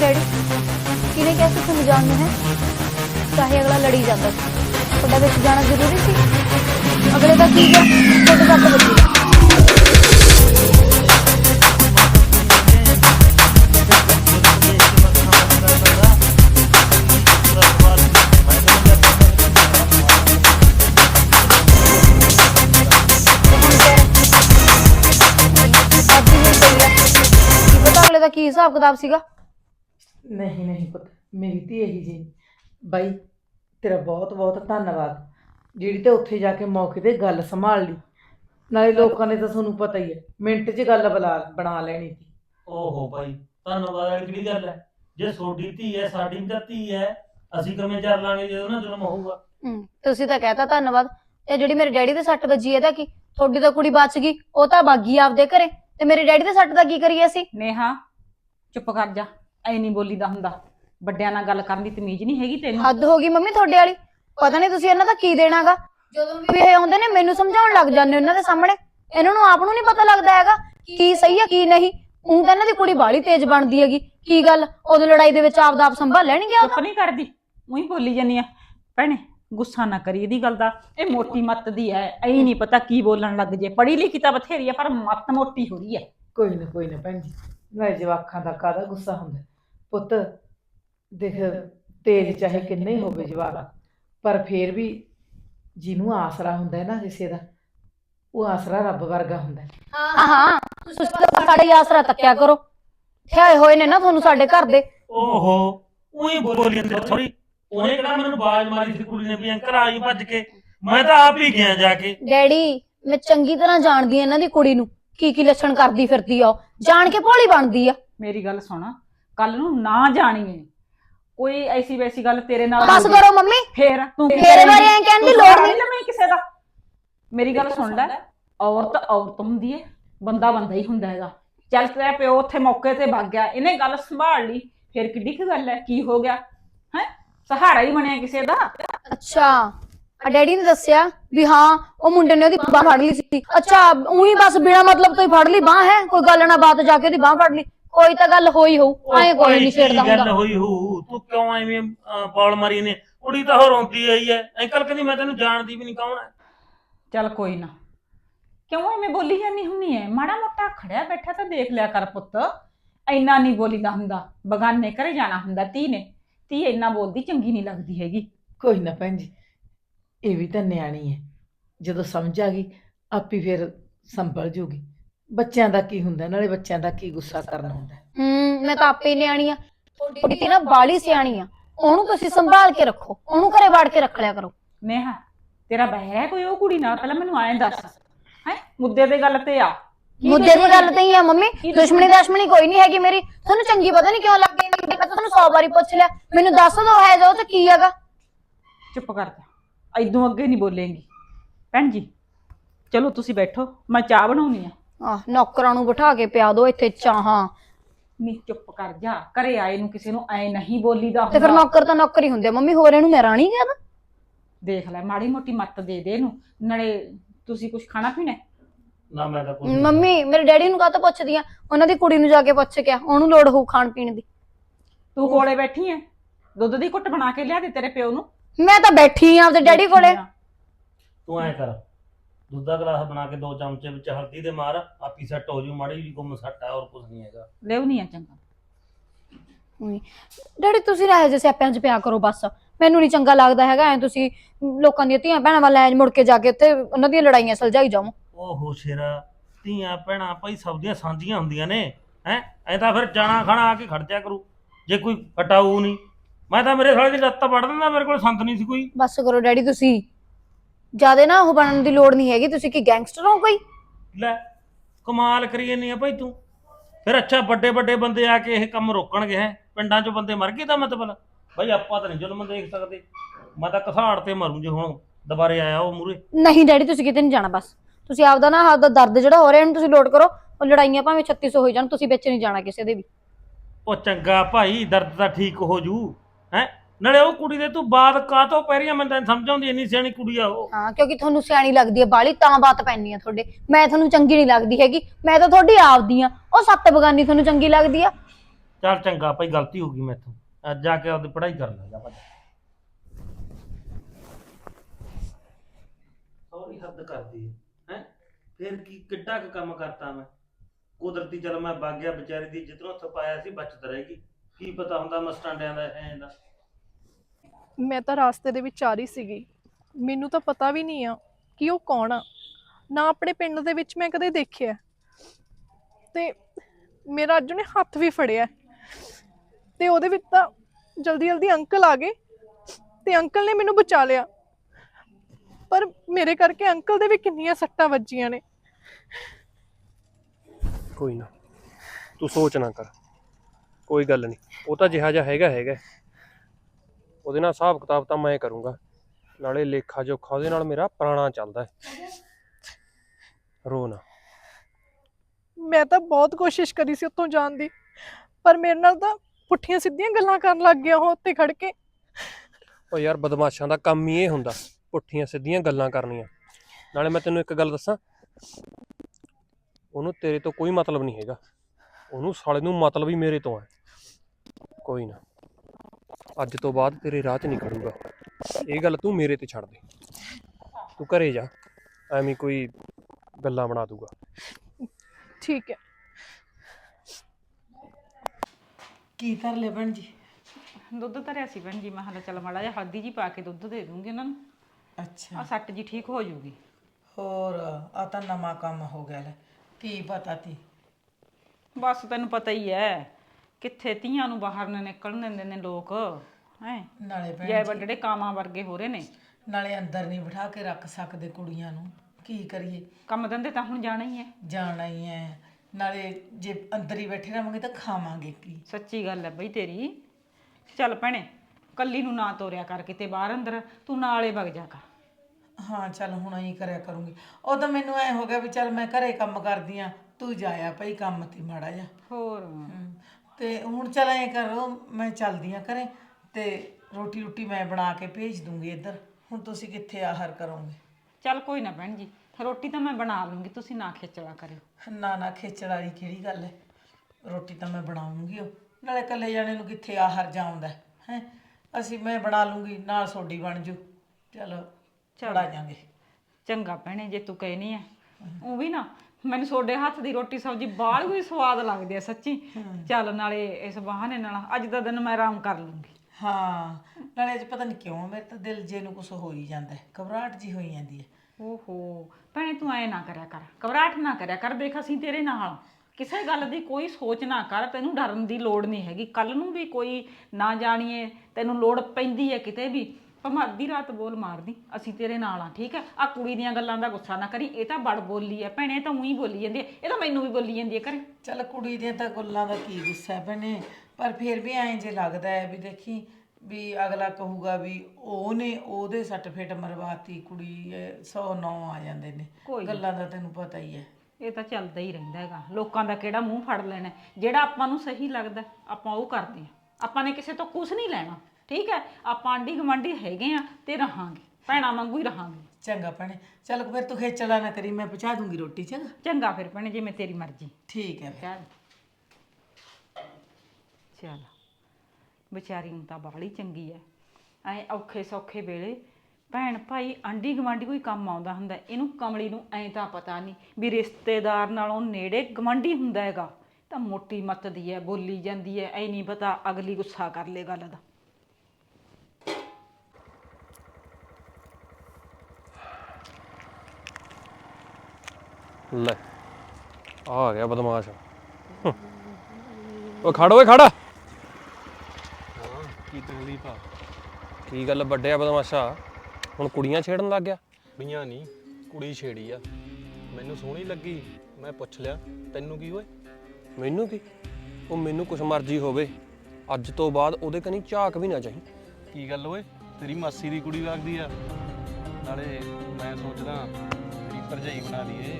Daddy ਕਿਹਨੇ ਕਿਹਾ ਸੀ ਤੁਹਾਨੂੰ ਜਾਣ ਨੂੰ ਹੈ? ਚਾਹੇ ਅਗਲਾ ਲੜੀ ਜਾਂਦਾ ਸੀ, ਤੁਹਾਡਾ ਵਿੱਚ ਜਾਣਾ ਜ਼ਰੂਰੀ ਸੀ। ਅਗਲੇ ਦਾ ਕੀ ਗਿਆ, ਤੁਹਾਡੇ ਤੱਕ ਵੱਜੀ। ਅਗਲੇ ਦਾ ਕੀ ਹਿਸਾਬ ਕਿਤਾਬ ਸੀਗਾ? ਨਹੀਂ ਨਹੀਂ ਪੁੱਤ, ਮੇਰੀ ਧੀ ਇਹੀ ਜੀ ਬਾਈ, ਤੇਰਾ ਬਹੁਤ ਬਹੁਤ ਧੰਨਵਾਦ ਜਿਹੜੀ ਤੇ ਉੱਥੇ ਜਾ ਕੇ ਮੌਕੇ ਤੇ ਗੱਲ ਸੰਭਾਲ ਲਈ। ਨਾਲੇ ਲੋਕਾਂ ਨੇ ਤਾਂ ਤੁਹਾਨੂੰ ਪਤਾ ਹੀ ਹੈ, ਮਿੰਟ 'ਚ ਗੱਲ ਬਣਾ ਲੈਣੀ ਸੀ। ਓਹੋ ਭਾਈ, ਧੰਨਵਾਦ ਵਾਲੀ ਕਿਹੜੀ ਗੱਲ ਹੈ? ਜੇ ਤੁਹਾਡੀ ਧੀ ਹੈ, ਸਾਡੀ ਤਾਂ ਧੀ ਹੈ, ਅਸੀਂ ਕਿਵੇਂ ਜਰ ਲਾਂਗੇ ਜਦੋਂ ਨਾ ਜਨਮ ਹੋਊਗਾ। ਤੁਸੀਂ ਤਾਂ ਕਹਿਤਾ ਧੰਨਵਾਦ। ਤੇ ਜਿਹੜੀ ਮੇਰੇ ਡੈਡੀ ਦੇ ਸੱਟ ਵੱਜੀ ਇਹਦਾ ਕੀ? ਤੁਹਾਡੀ ਤਾਂ ਕੁੜੀ ਬਚ ਗਈ, ਉਹ ਤਾਂ ਬਾਗੀ ਆਪਦੇ ਘਰੇ, ਤੇ ਮੇਰੇ ਡੈਡੀ ਦੇ ਸੱਟ ਦਾ ਕੀ ਕਰੀਏ ਅਸੀਂ? ਨੇਹਾ ਚੁੱਪ ਕਰ ਜਾ, ਐ ਨਹੀਂ ਬੋਲੀਦਾ ਹੁੰਦਾ। ਵੱਡਿਆਂ ਨਾਲ ਗੱਲ ਕਰਨ ਦੀ ਤਮੀਜ਼ ਨਹੀਂ ਹੈਗੀ ਤੈਨੂੰ? ਹੱਦ ਹੋ ਗਈ ਮੰਮੀ ਤੁਹਾਡੇ ਵਾਲੀ। ਪਤਾ ਨਹੀਂ ਤੁਸੀਂ ਇਹਨਾਂ ਦਾ ਕੀ ਦੇਣਾਗਾ। ਜਦੋਂ ਵੀ ਇਹ ਆਉਂਦੇ ਨੇ ਮੈਨੂੰ ਸਮਝਾਉਣ ਲੱਗ ਜਾਂਦੇ ਉਹਨਾਂ ਦੇ ਸਾਹਮਣੇ। ਇਹਨਾਂ ਨੂੰ ਆਪ ਨੂੰ ਨਹੀਂ ਪਤਾ ਲੱਗਦਾ ਹੈਗਾ ਕੀ ਸਹੀ ਆ ਕੀ ਨਹੀਂ। ਉਹ ਤਾਂ ਇਹਨਾਂ ਦੀ ਕੁੜੀ ਬਾਹਲੀ ਤੇਜ਼ ਬਣਦੀ ਹੈਗੀ। ਕੀ ਗੱਲ, ਉਦੋਂ ਲੜਾਈ ਦੇ ਵਿੱਚ ਆਪਦਾ ਆਪ ਸੰਭਾਲ ਲੈਣਗੇ? ਚੁੱਪ ਨਹੀਂ ਕਰਦੀ, ਉਹੀ ਬੋਲੀ ਜਾਨੀ ਆ। ਭੈਣੇ ਗੁੱਸਾ ਨਾ ਕਰੀ, ਇਹਦੀ ਗੱਲ ਦਾ ਇਹ ਮੋਟੀ ਮੱਤ ਦੀ ਐ, ਐ ਨਹੀਂ ਪਤਾ ਕੀ ਬੋਲਣ ਲੱਗ ਜੇ। ਪੜ੍ਹੀ ਲਿਖੀ ਤਾਂ ਬਥੇਰੀ ਆ, ਪਰ ਮੱਤ ਮੋਟੀ ਹੋ ਰਹੀ ਐ। ਕੋਈ ਨਾ ਭੈਣ ਜੀ, ਮੈਂ ਜਵਾਕਾਂ ਦਾ ਕਾਹਦਾ ਗੁੱਸਾ ਹੁੰਦਾ ਪੁੱਤ। ਦੇਖ, ਤੇਜ਼ ਚਾਹੇ ਕਿੰਨੇ ਹੀ ਹੋਵੇ ਜਵਾਕ, ਪਰ ਫੇਰ ਵੀ ਜਿਹਨੂੰ ਆਸਰਾ ਹੁੰਦਾ ਹੈ ਨਾ ਕਿਸੇ ਦਾ, ਉਹ ਆਸਰਾ ਰੱਬ ਵਰਗਾ ਹੁੰਦਾ। ਹਾਂ ਤੁਸੀਂ ਤਾਂ ਸਾਡੇ ਆਸਰਾ ਤੱਕਿਆ ਕਰੋ। ਠਿਆਏ ਹੋਏ ਨੇ ਨਾ ਤੁਹਾਨੂੰ ਸਾਡੇ ਘਰ ਦੇ। ਓਹੋ, ਉਹੀ ਬੋਲੀ ਜਾਂਦੇ ਥੋੜੀ। ਉਹਨੇ ਕਿਹੜਾ ਮੈਨੂੰ ਬਾਜ਼ ਮਾਰੀ ਸੀ ਕੁੜੀ ਨੇ ਵੀ ਅੰਕਲ ਆਈ ਭੱਜ ਕੇ, ਮੈਂ ਤਾਂ ਆਪ ਹੀ ਗਿਆ ਜਾ ਕੇ। ਡੈਡੀ ਮੈਂ ਚੰਗੀ ਤਰ੍ਹਾਂ ਜਾਣਦੀ ਆ ਇਹਨਾਂ ਦੀ ਕੁੜੀ ਨੂੰ, ਕੀ ਲੱਛਣ ਕਰਦੀ ਫਿਰਦੀ ਆ। ਉਹ ਜਾਣ ਕੇ ਭੋਲੀ ਬਣਦੀ ਆ। ਮੇਰੀ ਗੱਲ ਸੁਣ, ਕੱਲ ਨੂੰ ਨਾ ਜਾਣੀਏ ਕੋਈ ਐਸੀ ਵੈਸੀ ਗੱਲ ਤੇਰੇ ਨਾਲ। ਬਸ ਕਰੋ ਮੰਮੀ, ਫੇਰ ਤੂੰ ਮੇਰੇ ਬਾਰੇ ਐਂ ਕਹਿਣ ਦੀ ਲੋੜ ਨਹੀਂ। ਮੈਂ ਕਿਸੇ ਦਾ, ਮੇਰੀ ਗੱਲ ਸੁਣ ਲੈ, ਔਰਤ ਔਰਤ ਹੁੰਦੀ ਹੈ, ਬੰਦਾ ਬੰਦਾ ਹੀ ਹੁੰਦਾ ਹੈਗਾ। ਚੱਲ ਤੇਰਾ ਪਿਓ ਉੱਥੇ ਮੌਕੇ ਤੇ ਵਗ ਗਿਆ, ਇਹਨੇ ਗੱਲ ਸੰਭਾਲ ਲਈ, ਫਿਰ ਕਿੱਡੀ ਕੁ ਗੱਲ ਹੈ? ਕੀ ਹੋ ਗਿਆ ਹੈ? ਸਹਾਰਾ ਹੀ ਬਣਿਆ ਕਿਸੇ ਦਾ। ਅੱਛਾ, ਆ ਡੈਡੀ ਨੇ ਦੱਸਿਆ ਵੀ ਹਾਂ ਉਹ ਮੁੰਡੇ ਨੇ ਉਹਦੀ ਬਾਹ ਫੜ ਲਈ ਸੀ। ਅੱਛਾ, ਉਹੀ ਬਸ ਬਿਨਾ ਮਤਲਬ ਤੋਂ ਹੀ ਫੜ ਲਈ ਬਾਹ? ਹੈ ਕੋਈ ਗੱਲ ਨਾ ਬਾਤ ਜਾ ਕੇ ਉਹਦੀ ਬਾਹ ਫੜ ਲਈ? ਕੋਈ ਤਾਂ ਗੱਲ ਹੋਈ ਹੋਊ, ਐ ਕੋਈ ਨਹੀਂ ਛੇੜਦਾ ਹੁੰਦਾ। ਗੱਲ ਹੋਈ ਹੋਊ, ਤੂੰ ਕਿਉਂ ਐਵੇਂ ਬੌਲ ਮਾਰੀ ਨੇ? ਕੁੜੀ ਤਾਂ ਹੋ ਰੋਂਦੀ ਆਈ ਹੈ, ਅੰਕਲ ਕਹਿੰਦੀ ਮੈਂ ਤੈਨੂੰ ਜਾਣਦੀ ਵੀ ਨਹੀਂ, ਕੌਣ ਹੈ? ਚੱਲ ਕੋਈ ਨਾ, ਕਿਉਂ ਐਵੇਂ ਬੋਲੀ ਜਾਂਦੀ ਹੁੰਨੀ ਹੈ? ਮਾੜਾ ਮੋਟਾ ਖੜਿਆ ਬੈਠਾ ਤਾਂ ਦੇਖ ਲਿਆ ਕਰ ਪੁੱਤ, ਇੰਨਾ ਨਹੀਂ ਬੋਲੀਦਾ ਹੁੰਦਾ। ਬਗਾਨੇ ਘਰੇ ਜਾਣਾ ਹੁੰਦਾ ਧੀ ਨੇ, ਧੀ ਇੰਨਾ ਬੋਲਦੀ ਚੰਗੀ ਨਹੀਂ ਲੱਗਦੀ ਹੈਗੀ। ਕੋਈ ਨਾ ਭੈਣ ਜੀ, ਇਹ ਵੀ ਤਾਂ ਨਿਆਣੀ ਹੈ, ਜਦੋਂ ਸਮਝ ਆ ਗਈ ਆਪੀ ਫਿਰ ਸੰਭਲ ਜੂਗੀ। ਬੱਚਿਆਂ ਦਾ ਕੀ ਹੁੰਦਾ, ਨਾਲੇ ਬੱਚਿਆਂ ਦਾ ਕੀ ਗੁੱਸਾ ਕਰਨਾ ਹੁੰਦਾ। ਮੈਂ ਤਾਂ ਆਪੇ ਨਿਆਣੀ ਆ, ਤੁਹਾਡੀ ਨਾ ਬਾਲੀ ਸਿਆਣੀ ਆ। ਉਹਨੂੰ ਤੁਸੀਂ ਸੰਭਾਲ ਕੇ ਰੱਖੋ, ਉਹਨੂੰ ਘਰੇ ਵਾੜ ਕੇ ਰੱਖ ਲਿਆ ਕਰੋ। ਨੇਹਾ ਤੇਰਾ ਬਹਿਰ ਹੈ ਕੋਈ ਉਹ ਕੁੜੀ ਨਾਲ? ਪਹਿਲਾਂ ਮੈਨੂੰ ਐਂ ਦੱਸ, ਹੈ ਮੁੱਦੇ ਤੇ ਗੱਲ ਤੇ ਆ। ਮੁੱਦੇ ਦੀ ਗੱਲ ਤੇ ਹੀ ਆ ਮੰਮੀ, ਦੁਸ਼ਮਣੀ ਕੋਈ ਨਹੀਂ ਹੈਗੀ ਮੇਰੀ। ਤੁਹਾਨੂੰ ਚੰਗੀ ਪਤਾ ਨਹੀਂ ਕਿਉਂ ਲੱਗ ਗਈ? ਮੈਂ ਤੁਹਾਨੂੰ 100 ਵਾਰੀ ਪੁੱਛ ਲਿਆ, ਮੈਨੂੰ ਦੱਸ ਦੋ ਹੈ ਜੋ ਤੇ ਕੀ ਹੈਗਾ। ਚੁੱਪ ਕਰ ਜਾ, ਇਦੋਂ ਅੱਗੇ ਨਹੀਂ ਬੋਲੇਂਗੀ। ਭੈਣ ਜੀ ਚਲੋ ਤੁਸੀਂ ਬੈਠੋ, ਮੈਂ ਚਾਹ ਬਣਾਉਣੀ ਆ। ਨੌਕਰਾਂ ਨੂੰ ਬਿਠਾ ਕੇ ਪਿਆ ਦੋ ਇੱਥੇ ਚਾਹਾਂ। ਨਹੀਂ ਚੁੱਪ ਕਰ ਜਾ, ਘਰੇ ਆਏ ਨੂੰ ਕਿਸੇ ਨੂੰ ਐ ਨਹੀਂ ਬੋਲੀਦਾ ਤੇ ਫਿਰ ਨੌਕਰ ਤਾਂ ਨੌਕਰ ਹੀ ਹੁੰਦੇ ਮੰਮੀ, ਹੋਰ ਇਹਨੂੰ ਮੈਂ ਰਾਣੀ ਕਹਿ ਦਾਂ? ਦੇਖ ਲੈ, ਮਾੜੀ ਮੋਟੀ ਮੱਤ ਦੇ ਦੇ ਇਹਨੂੰ। ਨਾਲੇ ਤੁਸੀਂ ਕੁਝ ਖਾਣਾ ਪੀਣਾ? ਨਾ ਮੈਂ ਤਾਂ ਮੰਮੀ ਮੇਰੇ ਡੈਡੀ ਨੂੰ ਕਾਹਤੋਂ ਪੁੱਛਦੀ ਆ? ਉਹਨਾਂ ਦੀ ਕੁੜੀ ਨੂੰ ਜਾ ਕੇ ਪੁੱਛ ਕੇ, ਉਹਨੂੰ ਲੋੜ ਹੋਊ ਖਾਣ ਪੀਣ ਦੀ। ਤੂੰ ਕੋਲੇ ਬੈਠੀ ਐ, ਦੁੱਧ ਦੀ ਘੁੱਟ ਬਣਾ ਕੇ ਲਿਆ ਦੇ ਤੇਰੇ ਪਿਓ ਨੂੰ। ਮੈਂ ਤਾਂ ਬੈਠੀ ਆ ਆਪਦੇ ਡੈਡੀ ਕੋਲੇ। ਤੂੰ ਐ ਕਰ, ਦੁੱਧ ਦਾ ਗਲਾਸ ਬਣਾ ਕੇ 2 ਚਮਚੇ ਵਿੱਚ ਹਲਦੀ ਦੇ ਮਾਰ, ਆਪੀ ਸੈੱਟ ਹੋ ਜੂ। ਮਾੜੀ ਜੀ ਗੁੰਮ ਸੱਟ ਹੈ, ਹੋਰ ਕੁਝ ਨਹੀਂ ਹੈਗਾ। ਲਿਆਉਣੀ ਆ ਚੰਗਾ। ਡੈਡੀ ਤੁਸੀਂ ਨਾ ਇਹੋ ਜਿਹੇ ਸਿਆਪਿਆਂ 'ਚ ਪਿਆ ਕਰੋ ਬਸ, ਮੈਨੂੰ ਨਹੀਂ ਚੰਗਾ ਲੱਗਦਾ ਹੈਗਾ। ਐ ਤੁਸੀਂ ਲੋਕਾਂ ਦੀਆਂ ਧੀਆਂ ਭੈਣਾਂ ਵੱਲ ਐ ਮੁੜ ਕੇ ਜਾ ਕੇ ਉੱਥੇ ਉਹਨਾਂ ਦੀਆਂ ਲੜਾਈਆਂ ਸੁਲਝਾਈ ਜਾਓ। ਓਹੋ ਸ਼ੇਰਾ, ਧੀਆਂ ਭੈਣਾਂ ਭਾਈ ਸਭ ਦੀਆਂ ਸਾਂਝੀਆਂ ਹੁੰਦੀਆਂ ਨੇ। ਹੈ ਐ ਤਾਂ ਫਿਰ ਜਾਣਾ ਖਾਣਾ ਆ ਕੇ ਖੜ ਜਾ ਕਰੂ, ਜੇ ਕੋਈ ਹਟਾਊ ਨਹੀਂ। ਮੈਂ ਤਾਂ ਮੇਰੇ ਸਾਲੇ ਦੀ ਲੱਤ ਵੜ ਦਿੰਦਾ, ਮੇਰੇ ਕੋਲ ਸੰਤ ਨਹੀਂ ਸੀ ਕੋਈ। ਬਸ ਕਰੋ ਡੈਡੀ, ਤੁਸੀਂ ਜਿਆਦੇ ਨਾ ਉਹ ਬਣਨ ਦੀ ਲੋੜ ਨਹੀਂ ਹੈਗੀ। ਤੁਸੀਂ ਕੀ ਗੈਂਗਸਟਰ ਹੋ ਕੋਈ? ਲੈ ਕਮਾਲ ਕਰੀ ਜਾਂਦੀ ਆ ਭਾਈ ਤੂੰ। ਫਿਰ ਅੱਛਾ ਵੱਡੇ ਵੱਡੇ ਬੰਦੇ ਆ ਕੇ ਇਹ ਕੰਮ ਰੋਕਣਗੇ? ਹੈ ਪਿੰਡਾਂ 'ਚ ਬੰਦੇ ਮਰ ਗਏ ਤਾਂ ਮਤਲਬ ਭਾਈ ਆਪਾਂ ਤਾਂ ਨਹੀਂ ਜ਼ੁਲਮ ਦੇਖ ਸਕਦੇ। ਮੈਂ ਤਾਂ ਘਸਾੜ ਤੇ ਮਰੂ ਜੇ ਹੁਣ ਦੁਬਾਰੇ ਆਇਆ ਉਹ ਮੂਰੇ। ਨਹੀਂ ਡੈਡੀ ਤੁਸੀਂ ਕਿਤੇ ਨਹੀਂ ਜਾਣਾ, ਬਸ ਤੁਸੀਂ ਆਪਦਾ ਨਾ ਹੱਥ ਦਾ ਦਰਦ ਜਿਹੜਾ ਹੋ ਰਿਹਾ ਇਹਨੂੰ ਤੁਸੀਂ ਲੋਟ ਕਰੋ। ਉਹ ਲੜਾਈਆਂ ਭਾਵੇਂ 3600 ਹੋ ਜਾਣ, ਤੁਸੀਂ ਵਿੱਚ ਨਹੀਂ ਜਾਣਾ ਕਿਸੇ ਦੇ ਵੀ। ਉਹ ਚੰਗਾ ਭਾਈ, ਦਰਦ ਤਾਂ ਠੀਕ ਹੋ ਜੂ। ਹੈ ਨਾਲੇ ਉਹ ਕੁੜੀ ਦੇ ਤੂੰ ਬਾਤ ਕਾਹਤੋਂ ਪੈ ਰਹੀ ਆ? ਮੈਨੂੰ ਤਾਂ ਸਮਝ ਆਉਂਦੀ, ਇੰਨੀ ਸਿਆਣੀ ਕੁੜੀ ਆ ਉਹ। ਹਾਂ ਕਿਉਂਕਿ ਤੁਹਾਨੂੰ ਸਿਆਣੀ ਲੱਗਦੀ ਹੈ ਬਾਲੀ, ਤਾਂ ਬਾਤ ਪੈਣੀ ਆ ਤੁਹਾਡੇ। ਮੈਂ ਤੁਹਾਨੂੰ ਚੰਗੀ ਨਹੀਂ ਲੱਗਦੀ ਹੈਗੀ, ਮੈਂ ਤਾਂ ਤੁਹਾਡੀ ਆਪਦੀ ਆ। ਉਹ ਸੱਤ ਬਗਾਨੀ ਤੁਹਾਨੂੰ ਚੰਗੀ ਲੱਗਦੀ ਆ? ਚੱਲ ਚੰਗਾ ਭਾਈ, ਗਲਤੀ ਹੋ ਗਈ ਮੈਥੋਂ। ਅੱਜ ਜਾ ਕੇ ਆਪਦੀ ਪੜ੍ਹਾਈ ਕਰ ਲਾਂਗਾ ਭਾਈ। ਸੌਰੀ ਹੱਦ ਕਰਦੀ ਹੈ। ਫਿਰ ਕੀ ਕਿੱਡਾ ਕੁ ਕੰਮ ਕਰਤਾ ਮੈਂ। ਕੁਦਰਤੀ ਚਲ ਮੈਂ ਵਗ ਗਿਆ, ਵਿਚਾਰੀ ਦੀ ਜਿੱਧਰੋਂ ਹੱਥ ਪਾਇਆ ਸੀ ਬਚਤ ਰਹੇਗੀ। ਕੀ ਪਤਾ ਹੁੰਦਾ ਮਸਟਾਂਡਿਆਂ ਦਾ ਐਂ ਦਾ। ਮੈਂ ਤਾਂ ਰਾਸਤੇ ਦੇ ਵਿੱਚ ਆ ਰਹੀ ਸੀਗੀ, ਮੈਨੂੰ ਤਾਂ ਪਤਾ ਵੀ ਨਹੀਂ ਆ ਕਿ ਉਹ ਕੌਣ ਆ। ਨਾ ਆਪਣੇ ਪਿੰਡ ਦੇ ਵਿੱਚ ਮੈਂ ਕਦੇ ਦੇਖਿਆ, ਤੇ ਮੇਰਾ ਅੱਜ ਉਹਨੇ ਹੱਥ ਵੀ ਫੜਿਆ, ਤੇ ਉਹਦੇ ਵਿੱਚ ਤਾਂ ਜਲਦੀ ਜਲਦੀ ਅੰਕਲ ਆ ਗਏ ਤੇ ਅੰਕਲ ਨੇ ਮੈਨੂੰ ਬਚਾ ਲਿਆ। ਪਰ ਮੇਰੇ ਕਰਕੇ ਅੰਕਲ ਦੇ ਵੀ ਕਿੰਨੀਆਂ ਸੱਟਾਂ ਵੱਜੀਆਂ ਨੇ। ਕੋਈ ਨਾ, ਤੂੰ ਸੋਚ ਨਾ ਕਰ, ਕੋਈ ਗੱਲ ਨਹੀਂ। ਉਹ ਤਾਂ ਜਿਹਾ ਜਿਹਾ ਹੈਗਾ ਉਹਦੇ ਨਾਲ ਹਿਸਾਬ ਕਿਤਾਬ ਤਾਂ ਮੈਂ ਕਰੂੰਗਾ, ਨਾਲੇ ਲੇਖਾ ਜੋਖਾ ਉਹਦੇ ਨਾਲ ਮੇਰਾ ਪੁਰਾਣਾ ਚੱਲਦਾ ਹੈ। ਰੋ ਨਾ। ਮੈਂ ਤਾਂ ਬਹੁਤ ਕੋਸ਼ਿਸ਼ ਕਰੀ ਸੀ ਉੱਥੋਂ ਜਾਣ ਦੀ, ਪਰ ਮੇਰੇ ਨਾਲ ਤਾਂ ਪੁੱਠੀਆਂ ਸਿੱਧੀਆਂ ਗੱਲਾਂ ਕਰਨ ਲੱਗ ਗਿਆ ਉਹ ਉੱਥੇ ਖੜ ਕੇ। ਉਹ ਯਾਰ ਬਦਮਾਸ਼ਾਂ ਦਾ ਕੰਮ ਹੀ ਇਹ ਹੁੰਦਾ, ਪੁੱਠੀਆਂ ਸਿੱਧੀਆਂ ਗੱਲਾਂ ਕਰਨੀਆਂ। ਨਾਲੇ ਮੈਂ ਤੈਨੂੰ ਇੱਕ ਗੱਲ ਦੱਸਾਂ, ਉਹਨੂੰ ਤੇਰੇ ਤੋਂ ਕੋਈ ਮਤਲਬ ਨਹੀਂ ਹੈਗਾ, ਉਹਨੂੰ ਸਾਲੇ ਨੂੰ ਮਤਲਬ ਹੀ ਮੇਰੇ ਤੋਂ ਹੈ। ਕੋਈ ਨਾ, ਅੱਜ ਤੋਂ ਬਾਅਦ ਤੇਰੇ ਰਾਹ 'ਚ ਨਹੀਂ ਖੜੂਗਾ। ਇਹ ਗੱਲ ਤੂੰ ਮੇਰੇ ਤੇ ਛੱਡ ਦੇ, ਤੂੰ ਘਰੇ ਜਾ, ਐਵੇਂ ਕੋਈ ਗੱਲਾਂ ਬਣਾ ਦੂਗਾ। ਠੀਕ ਹੈ। ਕੀ ਕਰ ਲਿਆ ਭੈਣ ਜੀ? ਦੁੱਧ ਧਰਿਆ ਸੀ ਭੈਣ ਜੀ, ਮੈਂ ਕਿਹਾ ਚੱਲ ਮਾੜਾ ਜਿਹਾ ਹਲਦੀ ਜੀ ਪਾ ਕੇ ਦੁੱਧ ਦੇ ਦੂੰਗੀ ਉਹਨਾਂ ਨੂੰ। ਅੱਛਾ, ਆ ਸੱਟ ਜੀ ਠੀਕ ਹੋ ਜੂਗੀ। ਹੋਰ ਆ ਤਾਂ ਨਵਾਂ ਕੰਮ ਹੋ ਗਿਆ ਲੈ, ਕੀ ਪਤਾ ਤੀ। ਬਸ ਤੈਨੂੰ ਪਤਾ ਹੀ ਐ, ਕਿੱਥੇ ਧੀਆਂ ਨੂੰ ਬਾਹਰ ਨਾ ਨਿਕਲਣ ਦਿੰਦੇ ਨੇ ਲੋਕ ਹੈ। ਨਾਲੇ ਜੈ ਭੈਣ ਵੱਡੇ ਕਾਮਾਂ ਵਰਗੇ ਹੋ ਰਹੇ ਨੇ। ਨਾਲੇ ਅੰਦਰ ਨਹੀਂ ਬਿਠਾ ਕੇ ਰੱਖ ਸਕਦੇ ਕੁੜੀਆਂ ਨੂੰ, ਕੀ ਕਰੀਏ। ਕੰਮ ਧੰਦੇ ਤਾਂ ਹੁਣ ਜਾਣਾ ਹੀ ਐ। ਜਾਣਾ ਹੀ ਹੈ, ਨਾਲੇ ਜੇ ਅੰਦਰ ਹੀ ਬੈਠੇ ਰਹਾਂਗੇ ਤਾਂ ਖਾਵਾਂਗੇ ਕੀ। ਸੱਚੀ ਗੱਲ ਐ ਬਈ ਤੇਰੀ। ਚੱਲ ਭੈਣੇ, ਕੱਲੀ ਨੂੰ ਨਾ ਤੋਰਿਆ ਕਰ ਕਿਤੇ ਬਾਹਰ ਅੰਦਰ, ਤੂੰ ਨਾਲੇ ਵਗ ਜਾ ਕਰ। ਹਾਂ ਚੱਲ ਹੁਣ ਐਂ ਕਰਿਆ ਕਰੂੰਗੀ। ਉਹ ਤਾਂ ਮੈਨੂੰ ਐ ਹੋ ਗਿਆ ਵੀ ਚੱਲ ਮੈਂ ਘਰੇ ਕੰਮ ਕਰਦੀ ਆ, ਤੂੰ ਜਾਇਆ ਭਾਈ ਕੰਮ ਤੇ ਮਾੜਾ ਜਾ। ਹੋਰ ਤੇ ਹੁਣ ਚੱਲ ਐਂ ਕਰੋ, ਮੈਂ ਚੱਲਦੀ ਆ ਘਰੇ ਤੇ ਰੋਟੀ ਰੋਟੀ ਮੈਂ ਬਣਾ ਕੇ ਭੇਜ ਦੂੰਗੀ ਇੱਧਰ। ਹੁਣ ਤੁਸੀਂ ਕਿੱਥੇ ਆਹਰ ਕਰੋਗੇ? ਚੱਲ ਕੋਈ ਨਾ ਭੈਣ ਜੀ, ਰੋਟੀ ਤਾਂ ਮੈਂ ਬਣਾ ਲੂੰਗੀ, ਤੁਸੀਂ ਨਾ ਖੇਚਲਾ ਕਰਿਓ। ਨਾ ਨਾ ਖੇਚਲ ਵਾਲੀ ਕਿਹੜੀ ਗੱਲ ਹੈ, ਰੋਟੀ ਤਾਂ ਮੈਂ ਬਣਾਉਂਗੀ। ਉਹ ਨਾਲੇ ਇਕੱਲੇ ਜਾਣੇ ਨੂੰ ਕਿੱਥੇ ਆਹਰ ਜਾਉਂਦਾ ਹੈ। ਅਸੀਂ ਮੈਂ ਬਣਾ ਲੂੰਗੀ, ਨਾਲ ਸੋਡੀ ਬਣ ਜੂ। ਚਲੋ ਚੜਾ ਜਾਾਂਗੇ। ਚੰਗਾ ਭੈਣੇ, ਜੇ ਤੂੰ ਕਹਿਨੀ ਐ। ਉਹ ਵੀ ਨਾ ਮੈਨੂੰ ਤੁਹਾਡੇ ਹੱਥ ਦੀ ਰੋਟੀ ਸਬਜ਼ੀ ਬਾਹਲੀ ਕੋਈ ਸਵਾਦ ਲੱਗਦੀ ਐ ਸੱਚੀ। ਚੱਲ ਨਾਲੇ ਇਸ ਬਹਾਨੇ ਨਾਲ ਅੱਜ ਦਾ ਦਿਨ ਮੈਂ ਆਰਾਮ ਕਰ ਲੂੰਗੀ। ਹਾਂ, ਨਾਲੇ ਅੱਜ ਪਤਾ ਨਹੀਂ ਕਿਉਂ ਮੇਰੇ ਤਾਂ ਦਿਲ ਜੇ ਨੂੰ ਕੁਛ ਹੋ ਹੀ ਜਾਂਦਾ ਹੈ, ਘਬਰਾਹਟ ਜੀ ਹੋਈ ਜਾਂਦੀ ਹੈ। ਓਹੋ ਭੈਣੇ, ਤੂੰ ਐ ਨਾ ਕਰਿਆ ਕਰ, ਘਬਰਾਹਟ ਨਾ ਕਰਿਆ ਕਰ। ਦੇਖ ਅਸੀਂ ਤੇਰੇ ਨਾਲ, ਕਿਸੇ ਗੱਲ ਦੀ ਕੋਈ ਸੋਚ ਨਾ ਕਰ, ਤੈਨੂੰ ਡਰਨ ਦੀ ਲੋੜ ਨਹੀਂ ਹੈਗੀ। ਕੱਲ ਨੂੰ ਵੀ ਕੋਈ ਨਾ ਜਾਣੀਏ ਤੈਨੂੰ ਲੋੜ ਪੈਂਦੀ ਹੈ ਕਿਤੇ ਵੀ, ਭਾਵੇਂ ਅੱਧੀ ਰਾਤ ਬੋਲ ਮਾਰਦੀ, ਅਸੀਂ ਤੇਰੇ ਨਾਲ ਆ, ਠੀਕ ਹੈ। ਆ ਕੁੜੀ ਦੀਆਂ ਗੱਲਾਂ ਦਾ ਗੁੱਸਾ ਨਾ ਕਰੀ, ਇਹ ਤਾਂ ਬੜ ਬੋਲੀ ਹੈ ਭੈਣੇ, ਇਹ ਤਾਂ ਉਹੀ ਬੋਲੀ ਜਾਂਦੀ ਹੈ, ਇਹ ਤਾਂ ਮੈਨੂੰ ਵੀ ਬੋਲੀ ਜਾਂਦੀ ਹੈ ਘਰੇ। ਚੱਲ ਕੁੜੀ ਦੀਆਂ ਤਾਂ ਗੱਲਾਂ ਦਾ ਕੀ ਗੁੱਸਾ ਭੈਣੇ, ਪਰ ਫਿਰ ਵੀ ਐਂ ਜੇ ਲੱਗਦਾ ਹੈ ਵੀ ਦੇਖੀ ਵੀ ਅਗਲਾ ਕਹੂਗਾ ਵੀ ਉਹਨੇ ਉਹਦੇ ਸੱਟ ਫੇਟ ਮਰਵਾਤੀ ਕੁੜੀ, 109 ਆ ਜਾਂਦੇ ਨੇ ਗੱਲਾਂ ਦਾ, ਤੈਨੂੰ ਪਤਾ ਹੀ ਹੈ। ਇਹ ਤਾਂ ਚੱਲਦਾ ਹੀ ਰਹਿੰਦਾ ਹੈਗਾ, ਲੋਕਾਂ ਦਾ ਕਿਹੜਾ ਮੂੰਹ ਫੜ ਲੈਣਾ। ਜਿਹੜਾ ਆਪਾਂ ਨੂੰ ਸਹੀ ਲੱਗਦਾ ਆਪਾਂ ਉਹ ਕਰਦੇ ਹਾਂ, ਆਪਾਂ ਨੇ ਕਿਸੇ ਤੋਂ ਕੁਝ ਨਹੀਂ ਲੈਣਾ, ਠੀਕ ਹੈ। ਆਪਾਂ ਆਂਢੀ ਗੁਆਂਢੀ ਹੈਗੇ ਆ ਤੇ ਰਹਾਂਗੇ, ਭੈਣਾਂ ਵਾਂਗੂ ਹੀ ਰਹਾਂਗੇ। ਚੰਗਾ ਭੈਣੇ, ਚੱਲ ਫਿਰ ਤੂੰ ਖੇਚਲਾ ਨਾ ਕਰੀ, ਮੈਂ ਪਹੁੰਚਾ ਦੂੰਗੀ ਰੋਟੀ। ਚੰਗਾ ਚੰਗਾ ਫਿਰ ਭੈਣੇ, ਜਿਵੇਂ ਤੇਰੀ ਮਰਜ਼ੀ। ਠੀਕ ਹੈ। ਚੱਲ ਚੱਲ, ਵਿਚਾਰੀ ਨੂੰ ਤਾਂ ਬਾਹਲੀ ਚੰਗੀ ਐ। ਐ ਔਖੇ ਸੌਖੇ ਵੇਲੇ ਭੈਣ ਭਾਈ ਆਂਢੀ ਗੁਆਂਢੀ ਕੋਈ ਕੰਮ ਆਉਂਦਾ ਹੁੰਦਾ, ਇਹਨੂੰ ਕਮਲੀ ਨੂੰ ਐਂ ਤਾਂ ਪਤਾ ਨਹੀਂ ਵੀ ਰਿਸ਼ਤੇਦਾਰ ਨਾਲੋਂ ਨੇੜੇ ਗੁਆਂਢੀ ਹੁੰਦਾ ਹੈਗਾ। ਤਾਂ ਮੋਟੀ ਮੱਤ ਦੀ ਐ, ਬੋਲੀ ਜਾਂਦੀ ਐ, ਐ ਨਹੀਂ ਪਤਾ ਅਗਲੀ ਗੁੱਸਾ ਕਰ ਲੇ ਗੱਲ ਦਾ। ਲੈ ਆ ਗਿਆ ਬਦਮਾਸ਼। ਓ ਖੜ ਓਏ ਖੜ। ਕੀ ਤਕਲੀਫ ਆ? ਕੀ ਗੱਲ ਵੱਡਿਆ ਬਦਮਾਸ਼ਾ, ਹੁਣ ਕੁੜੀਆਂ ਛੇੜਨ ਲੱਗ ਗਿਆ? ਕੁੜੀਆਂ ਨਹੀਂ, ਕੁੜੀ ਛੇੜੀ ਆ। ਮੈਨੂੰ ਸੋਹਣੀ ਲੱਗੀ, ਮੈਂ ਪੁੱਛ ਲਿਆ, ਤੈਨੂੰ ਕੀ ਓਏ? ਮੈਨੂੰ ਕੀ, ਉਹ ਮੈਨੂੰ ਕੁਛ ਮਰਜ਼ੀ ਹੋਵੇ, ਅੱਜ ਤੋਂ ਬਾਅਦ ਉਹਦੇ ਕਨੀ ਝਾਕ ਵੀ ਨਾ ਚਾਹੀ। ਕੀ ਗੱਲ ਓਏ, ਤੇਰੀ ਮਾਸੀ ਦੀ ਕੁੜੀ ਲੱਗਦੀ ਆ, ਨਾਲੇ ਮੈਂ ਸੋਚਦਾ ਤੇਰੀ ਭਰਜਾਈ ਬਣਾ ਦਈਏ।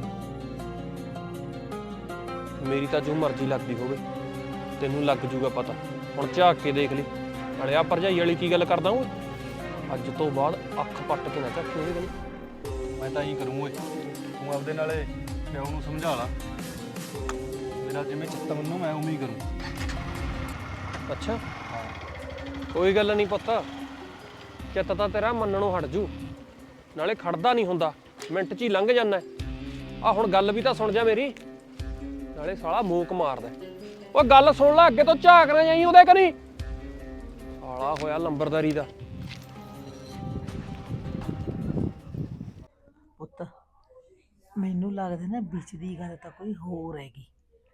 ਮੇਰੀ ਤਾਂ ਜੋ ਮਰਜ਼ੀ ਲੱਗਦੀ ਹੋਵੇ, ਤੈਨੂੰ ਲੱਗ ਜੂਗਾ ਪਤਾ। ਹੁਣ ਝਾਕ ਕੇ ਦੇਖ ਲਈ। ਨਾਲੇ ਆ ਭਰਜਾਈ ਵਾਲੀ ਕੀ ਗੱਲ ਕਰਦਾ ਓਏ, ਅੱਜ ਤੋਂ ਬਾਅਦ ਅੱਖ ਪੱਟ ਕੇ ਨਾ ਝਾਕੀ ਉਹਦੇ ਕਨੀ। ਮੈਂ ਤਾਂ ਇਹੀ ਕਰੂੰ ਓਏ, ਤੂੰ ਆਪਦੇ ਨਾਲੇ ਪਿਓ ਨੂੰ ਸਮਝਾ ਲਾ, ਮੇਰਾ ਜਿਵੇਂ ਚਿੱਤ ਮੰਨੂ ਮੈਂ ਉਵੇਂ ਹੀ ਕਰੂੰ। ਅੱਛਾ ਕੋਈ ਗੱਲ ਨਹੀਂ ਪੁੱਤ, ਚਿੱਤ ਤਾਂ ਤੇਰਾ ਮੰਨਣੋਂ ਹਟ ਜੂ, ਨਾਲੇ ਖੜਦਾ ਨਹੀਂ ਹੁੰਦਾ, ਮਿੰਟ 'ਚ ਹੀ ਲੰਘ ਜਾਂਦਾ। ਆ ਹੁਣ ਗੱਲ ਵੀ ਤਾਂ ਸੁਣ ਜਾ ਮੇਰੀ, ਨਾਲੇ ਸਾਲਾ ਮੂਕ ਮਾਰਦਾ। ਉਹ ਗੱਲ ਸੁਣ ਲੈ, ਅੱਗੇ ਤੋਂ ਝਾਕ ਨਾ ਜਾਈ ਉਹਦੇ ਕਨੀ, ਸਾਲਾ ਹੋਇਆ ਲੰਬਰਦਾਰੀ ਦਾ। ਪੁੱਤ ਮੈਨੂੰ ਲੱਗਦਾ ਨਾ ਵਿੱਚ ਦੀ ਗੱਲ ਤਾਂ ਕੋਈ ਹੋਰ ਹੈਗੀ।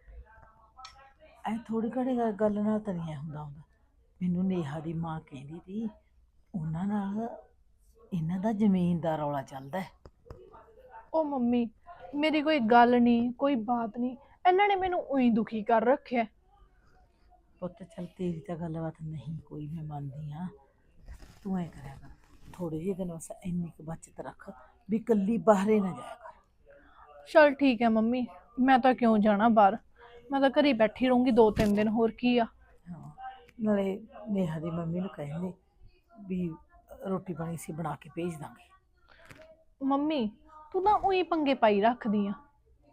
ਐ ਥੋੜੀ ਘੜੀ ਗੱਲ ਨਾਲ ਤਾਂ ਨਹੀਂ ਹੁੰਦਾ। ਮੈਨੂੰ ਨੇਹਾ ਦੀ ਮਾਂ ਕਹਿੰਦੀ ਸੀ ਉਹਨਾਂ ਨਾਲ ਇਹਨਾਂ ਦਾ ਜ਼ਮੀਨ ਦਾ ਰੌਲਾ ਚੱਲਦਾ ਹੈ। ਉਹ ਮੰਮੀ, ਮੇਰੀ ਕੋਈ ਗੱਲ ਨਹੀਂ, ਕੋਈ ਬਾਤ ਨਹੀਂ, ਇਹਨਾਂ ਨੇ ਮੈਨੂੰ ਉਹੀ ਦੁਖੀ ਕਰ ਰੱਖਿਆ। ਪੁੱਤ ਚੱਲ ਤੇਰੀ ਤਾਂ ਗੱਲਬਾਤ ਨਹੀਂ ਕੋਈ, ਮੈਂ ਮੰਨਦੀ ਹਾਂ। ਤੂੰ ਐ ਕਰਿਆ ਕਰ, ਥੋੜੇ ਜਿਹੇ ਦਿਨ ਬਸ ਇੰਨੀ ਕੁ ਬਚਤ ਰੱਖ ਵੀ ਇਕੱਲੀ ਬਾਹਰੇ ਨਾ ਜਾਇਆ ਕਰ। ਚਲ ਠੀਕ ਹੈ ਮੰਮੀ, ਮੈਂ ਤਾਂ ਕਿਉਂ ਜਾਣਾ ਬਾਹਰ, ਮੈਂ ਤਾਂ ਘਰੇ ਬੈਠੀ ਰਹੂੰਗੀ 2-3 ਦਿਨ, ਹੋਰ ਕੀ ਆ। ਹਾਂ, ਨਾਲੇ ਨੇਹਾ ਦੀ ਮੰਮੀ ਨੂੰ ਕਹਿੰਦੇ ਵੀ ਰੋਟੀ ਪਾਣੀ ਅਸੀਂ ਬਣਾ ਕੇ ਭੇਜ ਦਾਂਗੇ। ਮੰਮੀ ਤੂੰ ਤਾਂ ਉਹੀ ਪੰਗੇ ਪਾਈ ਰੱਖਦੀ ਆ।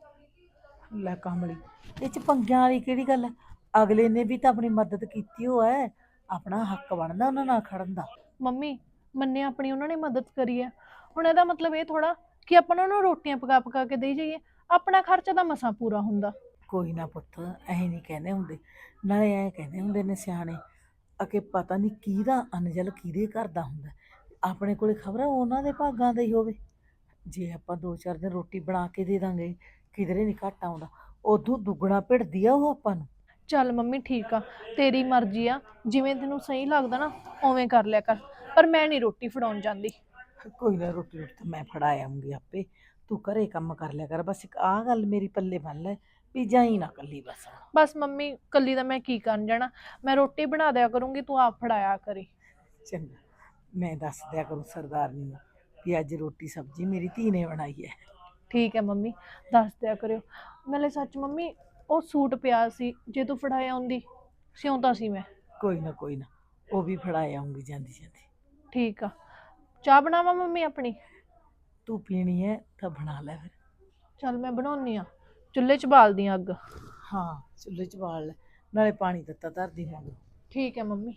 ਲੈ ਕਮਲੀ, ਇਹ ਚ ਪੰਗਿਆਂ ਵਾਲੀ ਕਿਹੜੀ ਗੱਲ ਹੈ? ਅਗਲੇ ਨੇ ਵੀ ਤਾਂ ਆਪਣੀ ਮਦਦ ਕੀਤੀ ਹੋ ਹੈ, ਆਪਣਾ ਹੱਕ ਬਣਦਾ ਉਹਨਾਂ ਨਾਲ ਖੜਨ ਦਾ। ਮੰਮੀ ਮੰਨੇ ਆਪਣੀ ਉਹਨਾਂ ਨੇ ਮਦਦ ਕਰੀ ਹੈ, ਹੁਣ ਇਹਦਾ ਮਤਲਬ ਇਹ ਥੋੜਾ ਕਿ ਆਪਾਂ ਉਹਨਾਂ ਨੂੰ ਰੋਟੀਆਂ ਪਕਾ ਪਕਾ ਕੇ ਦੇਈ ਜਾਈਏ, ਆਪਣਾ ਖਰਚਾ ਤਾਂ ਮਸਾਂ ਪੂਰਾ ਹੁੰਦਾ। ਕੋਈ ਨਾ ਪੁੱਤ, ਐ ਨਹੀਂ ਕਹਿੰਦੇ ਹੁੰਦੇ, ਨਾਲੇ ਐ ਕਹਿੰਦੇ ਹੁੰਦੇ ਨੇ ਸਿਆਣੇ ਅਕੇ ਪਤਾ ਨਹੀਂ ਕਿਹਦਾ ਅਨਜਲ ਕਿਹਦੇ ਘਰ ਦਾ ਹੁੰਦਾ। ਆਪਣੇ ਕੋਲੇ ਖਬਰ ਉਹਨਾਂ ਦੇ ਭਾਗਾਂ ਦਾ ਹੀ ਹੋਵੇ। ਜੇ ਆਪਾਂ 2-4 ਦਿਨ ਰੋਟੀ ਬਣਾ ਕੇ ਦੇ ਦਾਂਗੇ, ਕਿਧਰੇ ਨਹੀਂ ਘੱਟ ਆਉਂਦਾ, ਉਦੋਂ ਦੁੱਗਣਾ ਭਿੜਦੀ ਆ ਉਹ ਆਪਾਂ ਨੂੰ। ਚੱਲ ਮੰਮੀ ਠੀਕ ਆ, ਤੇਰੀ ਮਰਜ਼ੀ ਆ, ਜਿਵੇਂ ਤੈਨੂੰ ਸਹੀ ਲੱਗਦਾ ਨਾ ਉਵੇਂ ਕਰ ਲਿਆ ਕਰ, ਪਰ ਮੈਂ ਨਹੀਂ ਰੋਟੀ ਫੜਾਉਣ ਜਾਂਦੀ। ਕੋਈ ਨਾ, ਰੋਟੀ ਤਾਂ ਮੈਂ ਫੜਾ ਆਉਂਗੀ ਆਪੇ, ਤੂੰ ਘਰੇ ਕੰਮ ਕਰ ਲਿਆ ਕਰ। ਬਸ ਇੱਕ ਆਹ ਗੱਲ ਮੇਰੀ ਪੱਲੇ ਬੰਨ ਲੈ ਵੀ ਜਾਈ ਨਾ ਕੱਲੀ ਬਸ। ਬਸ ਮੰਮੀ ਕੱਲੀ ਦਾ ਮੈਂ ਕੀ ਕਰਨ ਜਾਣਾ, ਮੈਂ ਰੋਟੀ ਬਣਾ ਦਿਆ ਕਰੂੰਗੀ, ਤੂੰ ਆਪ ਫੜਾਇਆ ਕਰੀ। ਚੰਗਾ, ਮੈਂ ਦੱਸ ਦਿਆ ਕਰੂੰ ਸਰਦਾਰਨੀ ਨੂੰ ਵੀ ਅੱਜ ਰੋਟੀ ਸਬਜ਼ੀ ਮੇਰੀ ਧੀ ਨੇ ਬਣਾਈ ਹੈ। ਠੀਕ ਹੈ ਮੰਮੀ, ਦੱਸ ਦਿਆ ਕਰਿਓ। ਨਾਲੇ ਸੱਚ ਮੰਮੀ, ਉਹ ਸੂਟ ਪਿਆ ਸੀ, ਜੇ ਤੂੰ ਫੜਾਇਆ ਆਉਂਦੀ, ਸਿਉਂਤਾ ਸੀ ਮੈਂ। ਕੋਈ ਨਾ ਕੋਈ ਨਾ, ਉਹ ਵੀ ਫੜਾ ਆਉਂਗੀ ਜਾਂਦੀ ਜਾਂਦੀ। ਠੀਕ ਆ, ਚਾਹ ਬਣਾਵਾਂ ਮੰਮੀ ਆਪਣੀ? ਤੂੰ ਪੀਣੀ ਹੈ ਤਾਂ ਬਣਾ ਲੈ ਫਿਰ। ਚੱਲ ਮੈਂ ਬਣਾਉਣੀ ਆ, ਚੁੱਲ੍ਹੇ 'ਚ ਬਾਲਦੀ ਆ ਅੱਗ। ਹਾਂ, ਚੁੱਲ੍ਹੇ 'ਚ ਬਾਲ ਲੈ, ਨਾਲੇ ਪਾਣੀ ਦਿੱਤਾ ਧਰਦੀ ਮੰਗ। ਠੀਕ ਹੈ ਮੰਮੀ।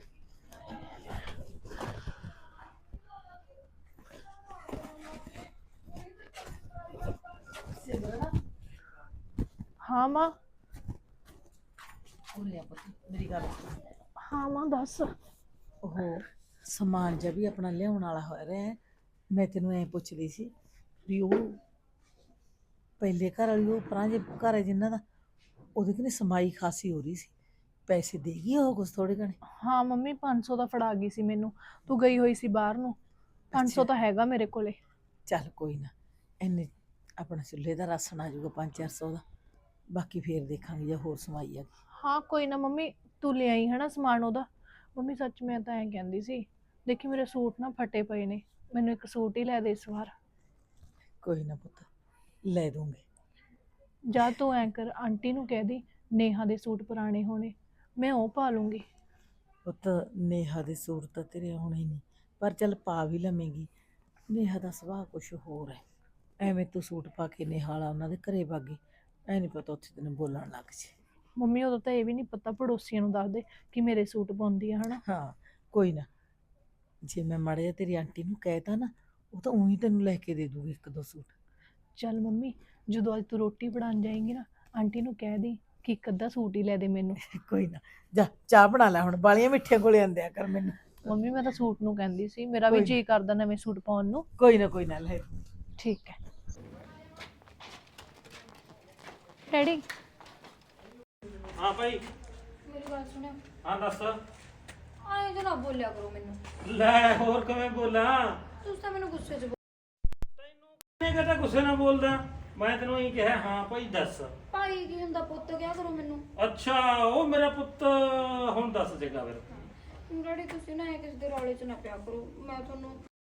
ਹਾਂ ਮਾਂ। ਮੇਰੀ ਗੱਲ ਹਾਂ ਮਾਂ ਦੱਸ। ਉਹ ਸਮਾਨ ਜਿਹਾ ਵੀ ਆਪਣਾ ਲਿਆਉਣ ਵਾਲਾ ਹੋ ਰਿਹਾ ਹੈ। ਮੈਂ ਤੈਨੂੰ ਐਂ ਪੁੱਛਦੀ ਸੀ ਵੀ ਉਹ ਪਹਿਲੇ ਘਰ ਵਾਲੀ, ਉਹ ਪਰਾਂ ਜੇ ਘਰ ਹੈ ਜਿਨ੍ਹਾਂ ਦਾ, ਉਹਦੇ ਕਿਨੇ ਸਮਾਈ ਖਾਸੀ ਹੋ ਰਹੀ ਸੀ, ਪੈਸੇ ਦੇਗੀ ਉਹ ਕੁਛ ਥੋੜੇ ਘਣੇ? ਹਾਂ ਮੰਮੀ 500 ਦਾ ਫੜਾ ਗਈ ਸੀ ਮੈਨੂੰ, ਤੂੰ ਗਈ ਹੋਈ ਸੀ ਬਾਹਰ ਨੂੰ, 500 ਤਾਂ ਹੈਗਾ ਮੇਰੇ ਕੋਲੇ। ਚੱਲ ਕੋਈ ਨਾ, ਇੰਨੇ ਆਪਣਾ ਚੁੱਲ੍ਹੇ ਦਾ ਰਾਸ਼ਨ ਆ ਜਾਊਗਾ 500-400 ਦਾ, ਬਾਕੀ ਫੇਰ ਦੇਖਾਂਗੇ ਜੇ ਹੋਰ ਸਮਾਈ ਆ ਗਈ। ਹਾਂ ਕੋਈ ਨਾ ਮੰਮੀ, ਤੂੰ ਲੈ ਆਈ ਹੈ ਨਾ ਸਮਾਨ ਉਹਦਾ। ਮੰਮੀ ਸੱਚ ਮੈਂ ਤਾਂ ਐਂ ਕਹਿੰਦੀ ਸੀ, ਦੇਖੀ ਮੇਰੇ ਸੂਟ ਨਾ ਫਟੇ ਪਏ ਨੇ, ਮੈਨੂੰ ਇੱਕ ਸੂਟ ਹੀ ਲੈ ਦੇ ਇਸ ਵਾਰ। ਕੋਈ ਨਾ ਪੁੱਤ, ਲੈ ਦੂੰਗੇ। ਜਾਂ ਤੂੰ ਐਂ ਕਰ, ਆਂਟੀ ਨੂੰ ਕਹਿ ਦੀ ਨੇਹਾ ਦੇ ਸੂਟ ਪੁਰਾਣੇ ਹੋਣੇ, ਮੈਂ ਉਹ ਪਾ ਲੂੰਗੀ। ਪੁੱਤ ਨੇਹਾ ਦੇ ਸੂਟ ਤਾਂ ਤੇਰੇ ਆਉਣੇ ਨਹੀਂ, ਪਰ ਚੱਲ ਪਾ ਵੀ ਲਵੇਂਗੀ। ਨੇਹਾ ਦਾ ਸੁਭਾਅ ਕੁਛ ਹੋਰ ਹੈ, ਐਵੇਂ ਤੂੰ ਸੂਟ ਪਾ ਕੇ ਨੇਹਾ ਵਾਲਾ ਉਹਨਾਂ ਦੇ ਘਰੇ ਵਾਗੀ, ਐ ਨਹੀਂ ਪਤਾ ਉੱਥੇ ਤੈਨੂੰ ਬੋਲਣ ਲੱਗ ਜੇ। ਮੰਮੀ ਉਦੋਂ ਤਾਂ ਇਹ ਵੀ ਨਹੀਂ ਪਤਾ, ਪੜੋਸੀਆਂ ਨੂੰ ਦੱਸ ਦੇ ਕਿ ਮੇਰੇ ਸੂਟ ਪਾਉਂਦੀ ਆ, ਹਨਾ। ਹਾਂ ਕੋਈ ਨਾ, ਜੇ ਮੈਂ ਮਾੜਾ ਜਿਹਾ ਤੇਰੀ ਆਂਟੀ ਨੂੰ ਕਹਿਤਾ ਨਾ, ਉਹ ਤਾਂ ਉਹੀ ਤੈਨੂੰ ਲੈ ਕੇ ਦੇ ਦੂਗੀ 1-2 ਸੂਟ। ਚੱਲ ਮੰਮੀ, ਜਦੋਂ ਅੱਜ ਤੂੰ ਰੋਟੀ ਬਣਾਉਣ ਜਾਏਂਗੀ ਨਾ, ਆਂਟੀ ਨੂੰ ਕਹਿ ਦੀ ਕਿ ਇੱਕ ਅੱਧਾ ਸੂਟ ਹੀ ਲੈ ਦੇ ਮੈਨੂੰ। ਕੋਈ ਨਾ, ਜਾ ਚਾਹ ਬਣਾ ਲੈ ਹੁਣ, ਬਾਲੀਆਂ ਮਿੱਠੀਆਂ ਕੋਲੇ ਆਂਦਿਆ ਕਰ ਮੈਨੂੰ। ਮੰਮੀ ਮੈਂ ਤਾਂ ਸੂਟ ਨੂੰ ਕਹਿੰਦੀ ਸੀ, ਮੇਰਾ ਵੀ ਕੋਈ ਜੀ ਕਰਦਾ ਨਵੇਂ ਸੂਟ ਪਾਉਣ ਨੂੰ। ਕੋਈ ਨਾ ਲੈ। ਠੀਕ ਹੈ ਡੈਡੀ। ਹਾਂ ਭਾਈ। ਮੇਰੀ ਗੱਲ ਸੁਣਿਓ, ਹਾਂ ਦੱਸ। ਆਏ ਜੇ ਨਾ ਬੋਲਿਆ ਕਰੋ ਮੈਨੂੰ। ਲੈ ਹੋਰ ਕਿਵੇਂ ਬੋਲਾਂ? ਤੁਸੀਂ ਤਾਂ ਮੈਨੂੰ ਗੁੱਸੇ 'ਚ ਕਿਹਨੇ ਕਹਤਾ ਗੁੱਸੇ ਨਾਲ ਬੋਲਦਾ? ਮੈਂ ਤੈਨੂੰ ਇਹੀ ਕਿਹਾ ਹਾਂ ਭਾਈ ਦੱਸ। ਭਾਈ ਕੀ ਹੁੰਦਾ, ਪੁੱਤ ਕਿਆ ਕਰੋ ਮੈਨੂੰ। ਅੱਛਾ ਉਹ ਮੇਰਾ ਪੁੱਤ, ਹੁਣ ਦੱਸ ਜੇਗਾ ਫਿਰ। ਡੈਡੀ ਤੁਸੀਂ ਨਾ ਕਿਸੇ ਦੇ ਰੌਲੇ 'ਚ ਨਾ ਪਿਆ ਕਰੋ, ਮੈਂ ਤੁਹਾਨੂੰ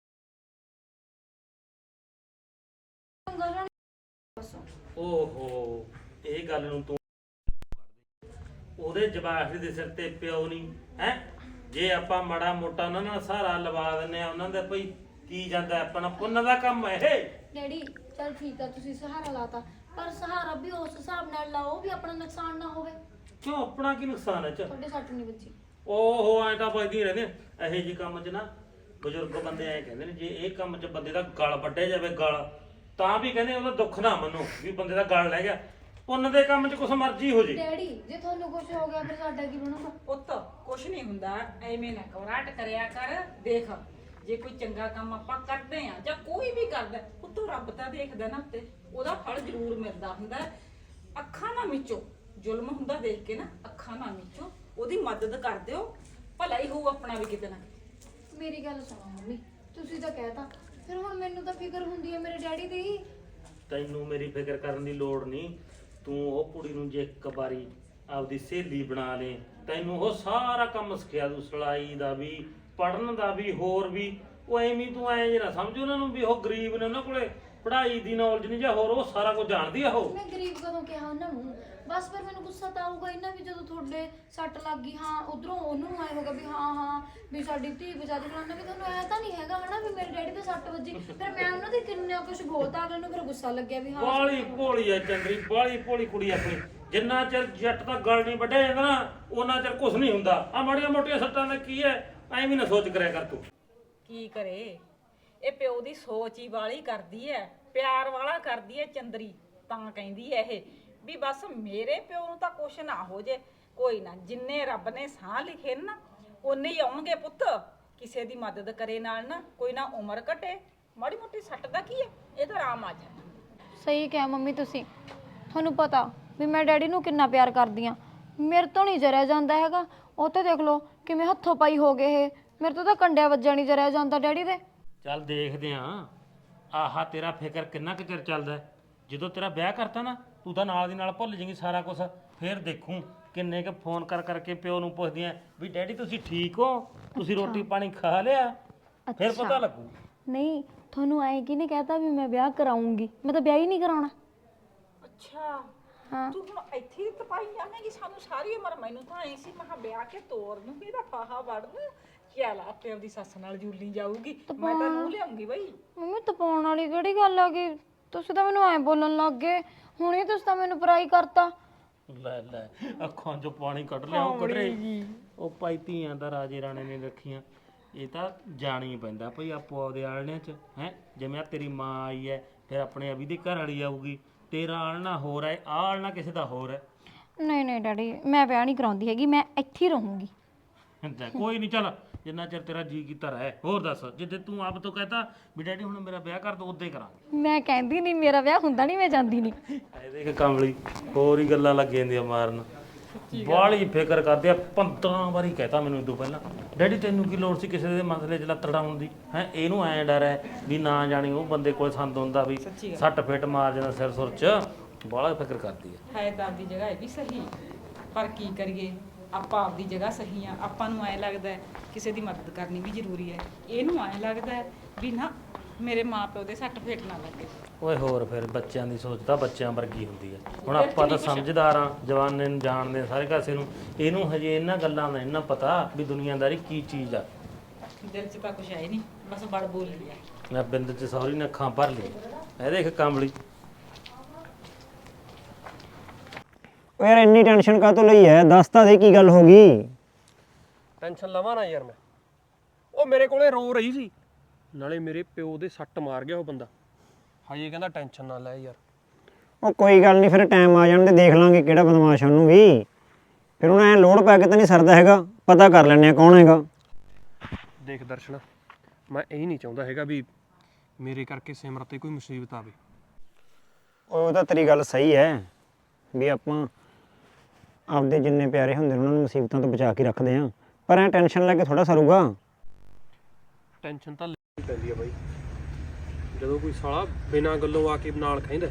ਓਹੋ, ਇਹ ਗੱਲ ਨੂੰ ਤੂੰ ਉਹਦੇ ਜਵਾਕ ਦੇ ਸਿਰ ਤੇ ਪਿਓ ਨਹੀਂ ਹੈ? ਜੇ ਆਪਾਂ ਮਾੜਾ ਮੋਟਾ ਉਹਨਾਂ ਨਾਲ ਸਹਾਰਾ ਲਵਾ ਦਿੰਨੇ ਆ, ਉਹਨਾਂ ਦਾ ਭਈ ਕੀ ਜਾਂਦਾ, ਆਪਣਾ ਪੁੰਨ ਦਾ ਕੰਮ ਹੈ ਇਹ। ਡੈਡੀ ਚਲ ਠੀਕ ਆ, ਤੁਸੀਂ ਸਹਾਰਾ ਲਾਤਾ, ਪਰ ਸਹਾਰਾ ਵੀ ਉਸ ਹਿਸਾਬ ਨਾਲ ਲਾਓ ਵੀ ਆਪਣਾ ਨੁਕਸਾਨ ਨਾ ਹੋਵੇ। ਕਿਉਂ ਆਪਣਾ ਕੀ ਨੁਕਸਾਨ ਹੈ ਚ ਤੁਹਾਡੇ ਸੱਟ ਨਹੀਂ ਵੱਜੀ। ਓਹੋ ਐ ਤਾਂ ਵੱਜਦੀ ਰਹਿੰਦੇ ਇਹੋ ਜਿਹੇ ਕੰਮ 'ਚ ਨਾ ਬਜ਼ੁਰਗ ਬੰਦੇ ਐ ਕਹਿੰਦੇ ਨੇ ਜੇ ਇਹ ਕੰਮ 'ਚ ਬੰਦੇ ਦਾ ਗਲ ਵੱਢਿਆ ਜਾਵੇ ਗਲ ਤਾਂ ਵੀ ਕਹਿੰਦੇ ਉਹਦਾ ਦੁੱਖ ਨਾ ਮੰਨੋ ਵੀ ਬੰਦੇ ਦਾ ਗਲ ਲੈ ਗਿਆ। ਪੁੰਨ ਦੇ ਕੰਮ 'ਚ ਕੁਛ ਮਰਜ਼ੀ ਹੋ ਜੇ। ਡੈਡੀ ਜੇ ਤੁਹਾਨੂੰ ਕੁਝ ਹੋ ਗਿਆ ਫਿਰ ਸਾਡਾ ਕੀ ਬਣੂਗਾ? ਪੁੱਤ ਕੁਛ ਨਹੀਂ ਹੁੰਦਾ, ਐਵੇਂ ਨਾ ਘਬਰਾਹਟ ਕਰਿਆ ਕਰ। ਦੇਖ ਜੇ ਕੋਈ ਚੰਗਾ ਕੰਮ ਆਪਾਂ ਕਰਦੇ ਆ ਜਾਂ ਕੋਈ ਵੀ ਕਰਦਾ, ਉੱਤੋਂ ਰੱਬ ਤਾਂ ਦੇਖਦਾ ਨਾ ਉੱਤੇ, ਉਹਦਾ ਫਲ ਜ਼ਰੂਰ ਮਿਲਦਾ ਹੁੰਦਾ। ਅੱਖਾਂ ਨਾ ਮਿਚੋ, ਜ਼ੁਲਮ ਹੁੰਦਾ ਦੇਖ ਕੇ ਨਾ ਅੱਖਾਂ ਨਾ ਮਿਚੋ, ਉਹਦੀ ਮਦਦ ਕਰ ਦਿਓ, ਭਲਾ ਹੀ ਹੋਊ ਆਪਣਾ ਵੀ ਕਿਤੇ ਨਾ ਕਿਤੇ। ਮੇਰੀ ਗੱਲ ਸੁਣੋ ਮੰਮੀ, ਤੁਸੀਂ ਤਾਂ ਕਹਿਤਾ, ਫਿਰ ਹੁਣ ਮੈਨੂੰ ਤਾਂ ਫਿਕਰ ਹੁੰਦੀ ਹੈ ਮੇਰੇ ਡੈਡੀ ਦੀ। ਤੈਨੂੰ ਮੇਰੀ ਫਿਕਰ ਕਰਨ ਦੀ ਲੋੜ ਨਹੀਂ। ਤੂੰ ਉਹ ਕੁੜੀ ਨੂੰ ਜੇ ਇੱਕ ਵਾਰੀ ਆਪਦੀ ਸਹੇਲੀ ਬਣਾ ਲੇ, ਤੈਨੂੰ ਉਹ ਸਾਰਾ ਕੰਮ ਸਿਖਿਆ ਦੂ, ਸਿਲਾਈ ਦਾ ਵੀ, ਪੜਨ ਦਾ ਵੀ, ਹੋਰ ਵੀ। ਉਹ ਐਵੇਂ ਤੂੰ ਐਂ ਜੇ ਨਾ ਸਮਝ ਉਹਨਾਂ ਨੂੰ ਵੀ ਉਹ ਗਰੀਬ ਨੇ, ਉਹਨਾਂ ਕੋਲੇ ਪੜ੍ਹਾਈ ਦੀ ਨੌਲੇਜ ਨਹੀਂ ਜਾਂ ਹੋਰ, ਉਹ ਸਾਰਾ ਕੁਝ ਜਾਣਦੀ ਆ ਉਹ। ਮੈਂ ਗਰੀਬ ਕਦੋਂ ਕਿਹਾ ਉਹਨਾਂ ਨੂੰ? ਬਸ ਫਿਰ ਮੈਨੂੰ ਗੁੱਸਾ ਤਾਂ ਆਊਗਾ ਇਹਨਾਂ ਵੀ ਜਦੋਂ ਤੁਹਾਡੇ ਸੱਟ ਲੱਗ ਗਈ। ਹਾਂ ਉਧਰੋਂ ਉਹਨੂੰ ਆਏ ਹੋਗਾ ਵੀ ਹਾਂ ਵੀ ਸਾਡੀ ਧੀ ਬਚਾਦੀ ਫਲਾਣਾ, ਵੀ ਤੁਹਾਨੂੰ ਐ ਤਾਂ ਨਹੀਂ ਹੈਗਾ ਹਨਾ ਵੀ ਮੇਰੇ ਡੈਡੀ ਦੇ ਸੱਟ ਵੱਜੀ। ਫਿਰ ਮੈਂ ਉਹਨਾਂ ਦੇ ਕਿੰਨਾ ਕੁਝ ਬੋਲਤਾ, ਅਗਲੇ ਨੂੰ ਫਿਰ ਗੁੱਸਾ ਲੱਗਿਆ ਵੀ ਹਾਂ ਬਾਲੀ ਭੋਲੀ ਆ ਚੰਦਰੀ, ਬਾਲੀ ਭੋਲੀ ਕੁੜੀ ਆਪਣੀ। ਜਿੰਨਾ ਚਿਰ ਜੱਟ ਦਾ ਗਲ ਨਹੀਂ ਵੱਢਿਆ ਜਾਂਦਾ ਨਾ ਉਹਨਾਂ ਚਿਰ ਕੁਝ ਨਹੀਂ ਹੁੰਦਾ। ਆ ਮਾੜੀਆਂ ਮੋਟੀਆਂ ਸੱਟਾਂ ਦਾ ਕੀ ਹੈ, ਐਵੇਂ ਨਾ ਸੋਚ ਕਰਿਆ ਕਰ ਤੂੰ। ਕੀ ਕਰੇ, ਇਹ ਪਿਓ ਦੀ ਸੋਚ ਹੀ ਵਾਲੀ ਕਰਦੀ ਐ, ਪਿਆਰ ਵਾਲਾ ਕਰਦੀ ਐ ਚੰਦਰੀ। ਤਾਂ ਕਹਿੰਦੀ ਐ ਇਹ ਵੀ ਬਸ ਮੇਰੇ ਪਿਓ ਨੂੰ ਤਾਂ ਕੁਛ ਨਾ ਹੋ ਜੇ। ਕੋਈ ਨਾ, ਜਿੰਨੇ ਰੱਬ ਨੇ ਸਾਹ ਲਿਖੇ ਨਾ ਉਨੇ ਹੀ ਆਉਣਗੇ ਪੁੱਤ। ਕਿਸੇ ਦੀ ਮਦਦ ਕਰੇ ਨਾਲ ਨਾ ਕੋਈ ਨਾ ਉਮਰ ਘਟੇ। ਮਾੜੀ ਮੋਟੀ ਸੱਟ ਦਾ ਕੀ ਐ, ਇਹ ਤਾਂ ਆਰਾਮ ਆ ਜਾਣਾ। ਸਹੀ ਕਿਹਾ ਮੰਮੀ ਤੁਸੀਂ। ਤੁਹਾਨੂੰ ਪਤਾ ਵੀ ਮੈਂ ਡੈਡੀ ਨੂੰ ਕਿੰਨਾ ਪਿਆਰ ਕਰਦੀ ਆ, ਮੇਰੇ ਤੋਂ ਨਹੀਂ ਜਰਿਆ ਜਾਂਦਾ ਹੈਗਾ। ਉਹ ਤੇ ਦੇਖ ਲਓ ਕਿਵੇਂ ਹੱਥੋਂ ਪਾਈ ਹੋ ਗਏ ਇਹ, ਮੇਰੇ ਤੋਂ ਤਾਂ ਕੰਡਿਆ ਵੱਜਾ ਨਹੀਂ ਜਰਿਆ ਜਾਂਦਾ ਡੈਡੀ ਦੇ। ਚੱਲ ਦੇਖਦੇ ਆਂ ਆਹਾ ਤੇਰਾ ਫਿਕਰ ਕਿੰਨਾ ਕੁ ਚਿਰ ਚੱਲਦਾ। ਜਦੋਂ ਤੇਰਾ ਵਿਆਹ ਕਰਤਾ ਨਾ ਤੂੰ ਤਾਂ ਨਾਲ ਦੀ ਨਾਲ ਭੁੱਲ ਜਾਏਂਗੀ ਸਾਰਾ ਕੁਝ। ਫਿਰ ਦੇਖੂੰ ਕਿੰਨੇ ਕੁ ਫੋਨ ਕਰ ਕਰਕੇ ਪਿਓ ਨੂੰ ਪੁੱਛਦੀਆਂ ਵੀ ਡੈਡੀ ਤੁਸੀਂ ਠੀਕ ਹੋ, ਤੁਸੀਂ ਰੋਟੀ ਪਾਣੀ ਖਾ ਲਿਆ, ਫਿਰ ਪਤਾ ਲੱਗੂ। ਨਹੀਂ ਤੁਹਾਨੂੰ ਐਂ ਕਿ ਨਹੀਂ ਕਹਤਾ ਵੀ ਮੈਂ ਵਿਆਹ ਕਰਾਉਂਗੀ, ਮੈਂ ਤਾਂ ਵਿਆਹ ਹੀ ਨਹੀਂ ਕਰਾਉਣਾ। ਅੱਛਾ ਹਾਂ ਤੂੰ ਹੁਣ ਇੱਥੇ ਹੀ ਤਪਾਈ ਜਾਵੇਂਗੀ ਸਾਨੂੰ ਸਾਰੀ ਉਮਰ। ਮੈਨੂੰ ਤਾਂ ਐ ਸੀ ਮੈਂ ਵਿਆਹ ਕੇ ਤੋਰ ਨੂੰ ਇਹਦਾ ਫਾਹਾ ਵੜਨ ਚੱਲ ਆਪੇ ਆਪਦੀ ਸੱਸ ਨਾਲ ਜੂਲੀ ਜਾਊਗੀ। ਮੈਂ ਤਾਂ ਨੂੰ ਲਿਆਉਂਗੀ ਬਈ। ਮੰਮੀ ਤਪਾਉਣ ਵਾਲੀ ਕਿਹੜੀ ਗੱਲ ਆ ਗਈ? ਤੁਸੀਂ ਤਾਂ ਮੈਨੂੰ ਐਂ ਬੋਲਣ ਲੱਗ ਗਏ ਹੁਣੇ, ਤੁਸੀਂ ਤਾਂ ਮੈਨੂੰ ਪਰਾਈ ਕਰਤਾ। ਲੈ ਲੈ ਅੱਖਾਂ 'ਚੋਂ ਪਾਣੀ ਕੱਢ ਲਿਆ ਉਹ ਕੱਢਰੇ। ਉਹ ਭਾਈ ਧੀਆਂ ਦਾ ਰਾਜੇ ਰਾਣੇ ਨੇ ਰੱਖੀਆਂ, ਇਹ ਤਾਂ ਜਾਣੀ ਪੈਂਦਾ ਭਈ ਆਪੋ ਆਪਦੇ ਆਲਣਿਆਂ 'ਚ ਹੈ। ਜਿਵੇਂ ਆ ਤੇਰੀ ਮਾਂ ਆਈ ਹੈ, ਫਿਰ ਆਪਣੇ ਅਭੀ ਦੀ ਘਰ ਵਾਲੀ ਆਊਗੀ, ਤੇਰਾ ਆਲਣਾ ਹੋਰ ਹੈ, ਆਹ ਆਲਣਾ ਕਿਸੇ ਦਾ ਹੋਰ ਹੈ। ਨਹੀਂ ਨਹੀਂ ਡੈਡੀ, ਮੈਂ ਵਿਆਹ ਨਹੀਂ ਕਰਾਉਂਦੀ ਹੈਗੀ, ਮੈਂ ਇੱਥੇ ਹੀ ਰਹੂੰਗੀ। ਕੋਈ ਨਹੀਂ, ਚੱਲ ਜਿੰਨਾ ਚਿਰ ਤੇਰਾ ਜੀ ਕੀਤਾ ਰਹਿ। ਹੋਰ ਦੱਸ, ਜਿੱਦੇ ਤੂੰ ਆਪ ਤੋਂ ਕਹਤਾ ਵੀ ਡੈਡੀ ਹੁਣ ਮੇਰਾ ਵਿਆਹ ਕਰ ਦੋ, ਉਦੋਂ ਹੀ ਕਰਾਂਗੇ। ਮੈਂ ਕਹਿੰਦੀ ਨਹੀਂ ਮੇਰਾ ਵਿਆਹ ਹੁੰਦਾ ਨਹੀਂ, ਮੈਂ ਜਾਂਦੀ ਨਹੀਂ। ਇਹ ਦੇਖ ਕਮਲੀ ਹੋਰ ਹੀ ਗੱਲਾਂ ਲੱਗ ਜਾਂਦੀਆਂ ਮਾਰਨ। ਬਾਹਲੀ ਫਿਕਰ ਕਰਦੇ ਆ। 15 ਵਾਰੀ ਕਹਤਾ ਮੈਨੂੰ ਇਦੋਂ ਪਹਿਲਾਂ ਡੈਡੀ ਤੈਨੂੰ ਕੀ ਲੋੜ ਸੀ ਕਿਸੇ ਦੇ ਮਸਲੇ 'ਚ ਲੱਤ ਡਾਉਣ ਦੀ ਹੈ। ਇਹਨੂੰ ਐਂ ਡਰ ਹੈ ਵੀ ਨਾ ਜਾਣੀ ਉਹ ਬੰਦੇ ਕੋਲ ਸੰਦ ਹੁੰਦਾ ਵੀ ਸੱਟ ਫਿੱਟ ਮਾਰ ਜਾਂਦਾ ਸਿਰ ਸੁਰ 'ਚ। ਬਾਹਲਾ ਫਿਕਰ ਕਰਦੀ ਹੈ ਤਾਂ ਆਪਦੀ ਜਗ੍ਹਾ ਇਹ ਵੀ ਸਹੀ, ਪਰ ਕੀ ਕਰੀਏ, ਆਪਾਂ ਆਪਦੀ ਜਗ੍ਹਾ ਸਹੀ ਆ। ਆਪਾਂ ਨੂੰ ਐਂ ਲੱਗਦਾ ਕਿਸੇ ਦੀ ਮਦਦ ਕਰਨੀ ਵੀ ਜ਼ਰੂਰੀ ਹੈ, ਇਹਨੂੰ ਐਂ ਲੱਗਦਾ ਵੀ ਨਾ ਮੇਰੇ ਮਾਪਿਓ ਦੇ ਸੱਟ ਫੇਟ ਨਾ ਲੱਗੇ। ਓਏ ਹੋਰ ਫਿਰ ਬੱਚਿਆਂ ਦੀ ਸੋਚ ਤਾਂ ਬੱਚਿਆਂ ਵਰਗੀ ਹੁੰਦੀ ਹੈ। ਹੁਣ ਆਪਾਂ ਤਾਂ ਸਮਝਦਾਰ ਆ, ਜਵਾਨੇ ਨੂੰ ਜਾਣਦੇ ਆ ਸਾਰੇ ਕਾਸੇ ਨੂੰ। ਇਹਨੂੰ ਹਜੇ ਇਹਨਾਂ ਗੱਲਾਂ ਦਾ ਇਹਨਾਂ ਪਤਾ ਵੀ ਦੁਨੀਆਦਾਰੀ ਕੀ ਚੀਜ਼ ਆ। ਦਿਲ 'ਚ ਤਾਂ ਕੁਛ ਹੈ ਨਹੀਂ, ਬਸ ਬੜ ਬੋਲ ਲਿਆ। ਮੈਂ ਬਿੰਦ 'ਚ ਸੌਰੀ ਨੇ ਅੱਖਾਂ ਭਰ ਲਈ। ਇਹ ਦੇਖ ਕਮਲੀ ਓ ਯਾਰ ਇੰਨੀ ਟੈਨਸ਼ਨ ਕਾਹਤੋਂ ਲਈ ਐ? ਦੱਸ ਤਾਂ ਦੇ ਕੀ ਗੱਲ ਹੋ ਗਈ? ਟੈਨਸ਼ਨ ਲਵਾਂ ਨਾ ਯਾਰ ਮੈਂ। ਉਹ ਮੇਰੇ ਕੋਲੇ ਰੋ ਰਹੀ ਸੀ, ਨਾਲੇ ਮੇਰੇ ਪਿਓ ਦੇ ਸੱਟ ਮਾਰ ਗਿਆ ਉਹ ਬੰਦਾ। ਹਜੇ ਕਹਿੰਦਾ ਟੈਨਸ਼ਨ ਨਾ ਲੈ ਯਾਰ। ਉਹ ਕੋਈ ਗੱਲ ਨਹੀਂ, ਫਿਰ ਟਾਈਮ ਆ ਜਾਣ ਤੇ ਦੇਖ ਲਾਂਗੇ ਕਿਹੜਾ ਬਦਮਾਸ਼ ਉਹਨੂੰ ਵੀ। ਫਿਰ ਹੁਣ ਐ ਲੋੜ ਪੈ ਕੇ ਤਾਂ ਨਹੀਂ ਸਰਦਾ ਹੈਗਾ, ਪਤਾ ਕਰ ਲੈਂਦੇ ਆ ਕੌਣ ਹੈਗਾ। ਦੇਖ ਦਰਸ਼ਨ, ਮੈਂ ਇਹ ਨਹੀਂ ਚਾਹੁੰਦਾ ਹੈਗਾ ਵੀ ਮੇਰੇ ਕਰਕੇ ਸਿਮਰਤ ਤੇ ਕੋਈ ਮੁਸੀਬਤ ਆਵੇ। ਉਹ ਤਾਂ ਤੇਰੀ ਗੱਲ ਸਹੀ ਹੈ ਵੀ ਆਪਾਂ ਆਪਦੇ ਜਿੰਨੇ ਪਿਆਰੇ ਹੁੰਦੇ ਨੇ ਉਹਨਾਂ ਨੂੰ ਮੁਸੀਬਤਾਂ ਤੋਂ ਬਚਾ ਕੇ ਰੱਖਦੇ ਆ, ਪਰ ਐ ਟੈਨਸ਼ਨ ਲੈ ਕੇ ਥੋੜਾ ਸਰੂਗਾ। ਟੈਨਸ਼ਨ ਤਾਂ ਲੈਣੀ ਪੈਂਦੀ ਆ ਬਾਈ, ਜਦੋਂ ਕੋਈ ਸਾਲਾ ਬਿਨਾਂ ਗੱਲੋਂ ਆ ਕੇ ਨਾਲ ਕਹਿੰਦਾ।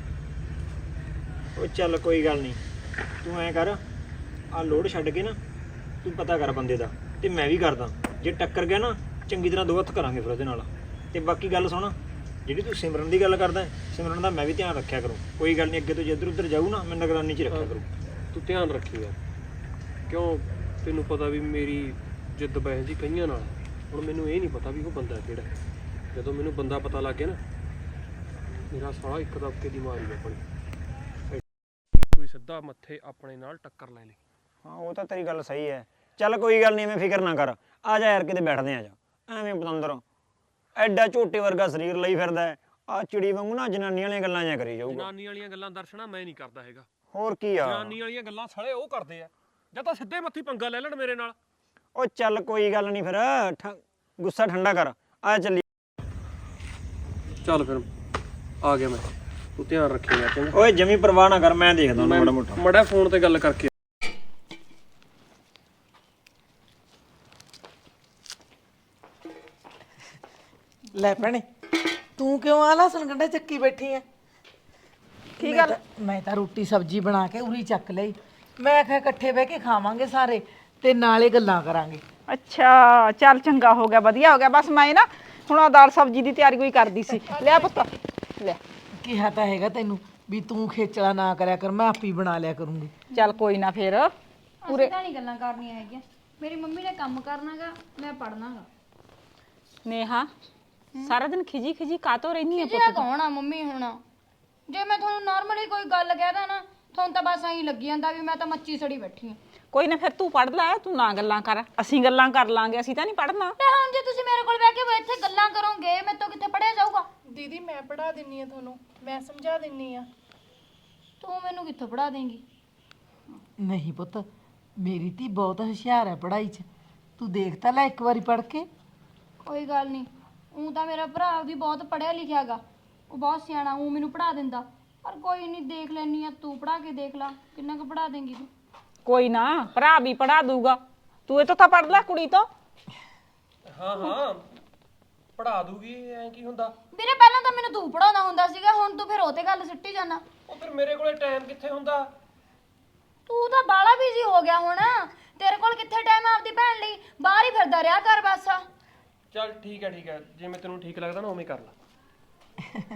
ਉਹ ਚੱਲ ਕੋਈ ਗੱਲ ਨਹੀਂ, ਤੂੰ ਐਂ ਕਰ, ਆਹ ਲੋਡ ਛੱਡ ਕੇ ਨਾ ਤੂੰ ਪਤਾ ਕਰ ਬੰਦੇ ਦਾ, ਤੇ ਮੈਂ ਵੀ ਕਰਦਾ। ਜੇ ਟੱਕਰ ਗਿਆ ਨਾ ਚੰਗੀ ਤਰ੍ਹਾਂ ਦੋ ਹੱਥ ਕਰਾਂਗੇ ਫਿਰ ਉਹਦੇ ਨਾਲ। ਤੇ ਬਾਕੀ ਗੱਲ ਸੁਣ, ਜਿਹੜੀ ਤੂੰ ਸਿਮਰਨ ਦੀ ਗੱਲ ਕਰਦਾ, ਸਿਮਰਨ ਦਾ ਮੈਂ ਵੀ ਧਿਆਨ ਰੱਖਿਆ ਕਰੂੰ। ਕੋਈ ਗੱਲ ਨਹੀਂ, ਅੱਗੇ ਤੋਂ ਜੇ ਇੱਧਰ ਉੱਧਰ ਜਾਊ ਨਾ ਮੈਂ ਨਿਗਰਾਨੀ 'ਚ ਰੱਖਿਆ ਕਰੂੰ। ਤੂੰ ਧਿਆਨ ਰੱਖੀ ਯਾਰ, ਕਿਉਂ ਤੈਨੂੰ ਪਤਾ ਵੀ ਮੇਰੀ ਜਿੱਦ ਬਹਿ ਜੀ ਕਈਆਂ ਨਾਲ। ਹੁਣ ਮੈਨੂੰ ਇਹ ਨਹੀਂ ਪਤਾ ਵੀ ਉਹ ਬੰਦਾ ਕਿਹੜਾ। ਜਦੋਂ ਮੈਨੂੰ ਬੰਦਾ ਪਤਾ ਲੱਗ ਗਿਆ ਨਾ, ਮੇਰਾ ਸਾਲਾ ਇੱਕ ਦਬਕੇ ਦੀ ਮਾਰੀ ਆਪਣੀ। ਕੋਈ ਸਿੱਧਾ ਮੱਥੇ ਆਪਣੇ ਨਾਲ ਟੱਕਰ ਲੈ ਲਈ। ਹਾਂ ਉਹ ਤਾਂ ਤੇਰੀ ਗੱਲ ਸਹੀ ਹੈ। ਚੱਲ ਕੋਈ ਗੱਲ ਨਹੀਂ, ਐਵੇਂ ਫਿਕਰ ਨਾ ਕਰ। ਆ ਜਾ ਯਾਰ ਕਿਤੇ ਬੈਠਦੇ ਆ ਜਾ। ਐਵੇਂ ਪਤੰਦਰ ਐਡਾ ਝੋਟੇ ਵਰਗਾ ਸਰੀਰ ਲਈ ਫਿਰਦਾ ਹੈ, ਆ ਚਿੜੀ ਵਾਂਗੂ ਨਾ ਜਨਾਨੀਆਂ ਵਾਲੀਆਂ ਗੱਲਾਂ ਜਾਂ ਕਰੀ ਜਾਊਗਾ। ਜਨਾਨੀ ਵਾਲੀਆਂ ਗੱਲਾਂ ਦਰਸ਼ਨਾ ਮੈਂ ਨਹੀਂ ਕਰਦਾ ਹੈਗਾ। ਹੋਰ ਕੀ ਆ, ਜਨਾਨੀ ਵਾਲੀਆਂ ਗੱਲਾਂ ਸਾਲੇ ਉਹ ਕਰਦੇ ਆ ਜਾਂ ਤਾਂ ਸਿੱਧੇ ਮੱਥੀ ਪੰਗਾ ਲੈ ਲੈਣ ਮੇਰੇ ਨਾਲ। ਉਹ ਚੱਲ ਕੋਈ ਗੱਲ ਨਹੀਂ ਫਿਰ, ਗੁੱਸਾ ਠੰਡਾ ਕਰ, ਆ ਚੱਲੀ। ਚੱਲ ਫਿਰ ਆ ਗਿਆ ਮੈਂ, ਤੂੰ ਧਿਆਨ ਰੱਖੇਗਾ ਚੰਗਾ। ਓਏ ਜਮੀ ਪਰਵਾਹ ਨਾ ਕਰ, ਮੈਂ ਦੇਖਦਾ ਉਹਨੂੰ ਮਾੜਾ ਮੋਟਾ। ਮੜਾ ਫੋਨ ਤੇ ਗੱਲ ਕਰਕੇ। ਲੈ ਭੈਣੇ, ਤੂੰ ਕਿਉਂ ਆ ਲਸਣ ਗੰਢਾ ਚੱਕੀ ਬੈਠੀ ਆ? ਕੀ ਗੱਲ? ਮੈਂ ਤਾਂ ਰੋਟੀ ਸਬਜ਼ੀ ਬਣਾ ਕੇ ਉਰੀ ਚੱਕ ਲਈ। ਮੈਂ ਕਿਹਾ ਇਕੱਠੇ ਬਹਿ ਕੇ ਖਾਵਾਂਗੇ ਸਾਰੇ ਤੇ ਨਾਲੇ ਗੱਲਾਂ ਕਰਾਂਗੇ। ਅੱਛਾ ਚੱਲ ਚੰਗਾ ਹੋ ਗਿਆ, ਵਧੀਆ ਹੋ ਗਿਆ। ਬਸ ਮੈਂ ਨਾ ਹੁਣ ਆਹ ਦਾਲ ਸਬਜ਼ੀ ਦੀ ਤਿਆਰੀ ਕੋਈ ਕਰਦੀ ਸੀ। ਲਿਆ ਪੁੱਤ ਲੈ। ਕਿਹਾ ਤਾਂ ਹੈਗਾ ਤੈਨੂੰ ਵੀ ਤੂੰ ਖੇਚਲਾ ਨਾ ਕਰਿਆ ਕਰ, ਮੈਂ ਆਪੀ ਬਣਾ ਲਿਆ ਕਰੂੰਗੀ। ਚੱਲ ਕੋਈ ਨਾ ਫਿਰ। ਪੂਰੇ ਤਾਂ ਨਹੀਂ ਗੱਲਾਂ ਕਰਨੀਆਂ ਹੈਗੀਆਂ। ਮੇਰੀ ਮੰਮੀ ਨੇ ਕੰਮ ਕਰਨਾਗਾ, ਮੈਂ ਪੜਨਾਗਾ। ਨੇਹਾ ਸਾਰਾ ਦਿਨ ਖਿਜੀ ਖਿਜੀ ਕਾਤੋਂ ਰਹਿਨੀ ਆ ਜੇ ਕੌਣ ਆ ਮੰਮੀ ਹੁਣ? ਜੇ ਮੈਂ ਤੁਹਾਨੂੰ ਨਾਰਮਲੀ ਕੋਈ ਗੱਲ ਕਹਿਦਾ ਨਾ, ਤੁਹਾਨੂੰ ਤਾਂ ਬਸ ਐਂ ਲੱਗੀ ਜਾਂਦਾ ਵੀ ਮੈਂ ਤਾਂ ਮੱਚੀ ਸੜੀ ਬੈਠੀ ਆ। ਕੋਈ ਨਾ ਫਿਰ ਤੂੰ ਪੜ ਲੈ, ਤੂੰ ਨਾ ਗੱਲਾਂ ਕਰ, ਅਸੀਂ ਗੱਲਾਂ ਕਰ ਲਾਂਗੇ। ਅਸੀਂ ਤਾਂ ਨਹੀਂ ਪੜਨਾ। ਤੇ ਹੁਣ ਜੇ ਤੁਸੀਂ ਮੇਰੇ ਕੋਲ ਬਹਿ ਕੇ ਇੱਥੇ ਗੱਲਾਂ ਕਰੋਗੇ, ਮੇਰੇ ਤੋਂ ਕਿੱਥੇ ਪੜਿਆ ਜਾਊਗਾ? ਦੀਦੀ ਮੈਂ ਪੜ੍ਹਾ ਦਿੰਨੀ ਆ ਤੁਹਾਨੂੰ, ਮੈਂ ਸਮਝਾ ਦਿੰਨੀ ਆ। ਤੂੰ ਮੈਨੂੰ ਕਿੱਥੋਂ ਪੜਾ ਦੇਂਗੀ? ਨਹੀਂ ਪੁੱਤ, ਮੇਰੀ ਧੀ ਬਹੁਤ ਹੁਸ਼ਿਆਰ ਹੈ ਪੜ੍ਹਾਈ 'ਚ। ਤੂੰ ਦੇਖ ਤਾਂ ਲੈ ਇੱਕ ਵਾਰੀ ਪੜ੍ਹ ਕੇ। ਕੋਈ ਗੱਲ ਨਹੀਂ, ਉਹ ਤਾਂ ਮੇਰਾ ਭਰਾ ਵੀ ਬਹੁਤ ਪੜਿਆ ਲਿਖਿਆਗਾ, ਉਹ ਬਹੁਤ ਸਿਆਣਾ, ਉਹ ਮੈਨੂੰ ਪੜਾ ਦਿੰਦਾ। ਪਰ ਕੋਈ ਨਹੀਂ, ਦੇਖ ਲੈਣੀ ਆ, ਤੂੰ ਪੜਾ ਕੇ ਦੇਖ ਲੈ ਕਿੰਨਾ ਕੁ ਪੜਾ ਦੇਂਗੀ ਤੂੰ। ਕੋਈ ਨਾ, ਭਰਾ ਵੀ ਪੜਾ ਦੂਗਾ। ਤੂੰ ਇਹ ਤੋਂ ਤਾਂ ਪੜ ਲੈ ਕੁੜੀ ਤੋਂ। ਹਾਂ ਹਾਂ ਪੜਾ ਦੂਗੀ, ਐ ਕੀ ਹੁੰਦਾ? ਵੀਰੇ ਪਹਿਲਾਂ ਤਾਂ ਮੈਨੂੰ ਤੂੰ ਪੜਾਉਂਦਾ ਹੁੰਦਾ ਸੀਗਾ, ਹੁਣ ਤੂੰ ਫਿਰ ਉਹ ਤੇ ਗੱਲ ਸਿੱਟੀ ਜਾਂਦਾ। ਉਹ ਫਿਰ ਮੇਰੇ ਕੋਲੇ ਟਾਈਮ ਕਿੱਥੇ ਹੁੰਦਾ? ਤੂੰ ਤਾਂ ਬਾਲਾ ਬਿਜ਼ੀ ਹੋ ਗਿਆ ਹੁਣ, ਤੇਰੇ ਕੋਲ ਕਿੱਥੇ ਟਾਈਮ ਆਪਦੀ ਭੈਣ ਲਈ? ਬਾਹਰ ਹੀ ਫਿਰਦਾ ਰਿਹਾ ਕਰ ਬਸ। ਚੱਲ ਠੀਕ ਹੈ, ਜਿਵੇਂ ਤੈਨੂੰ ਠੀਕ ਲੱਗਦਾ ਨਾ ਉਵੇਂ ਕਰ ਲੈ।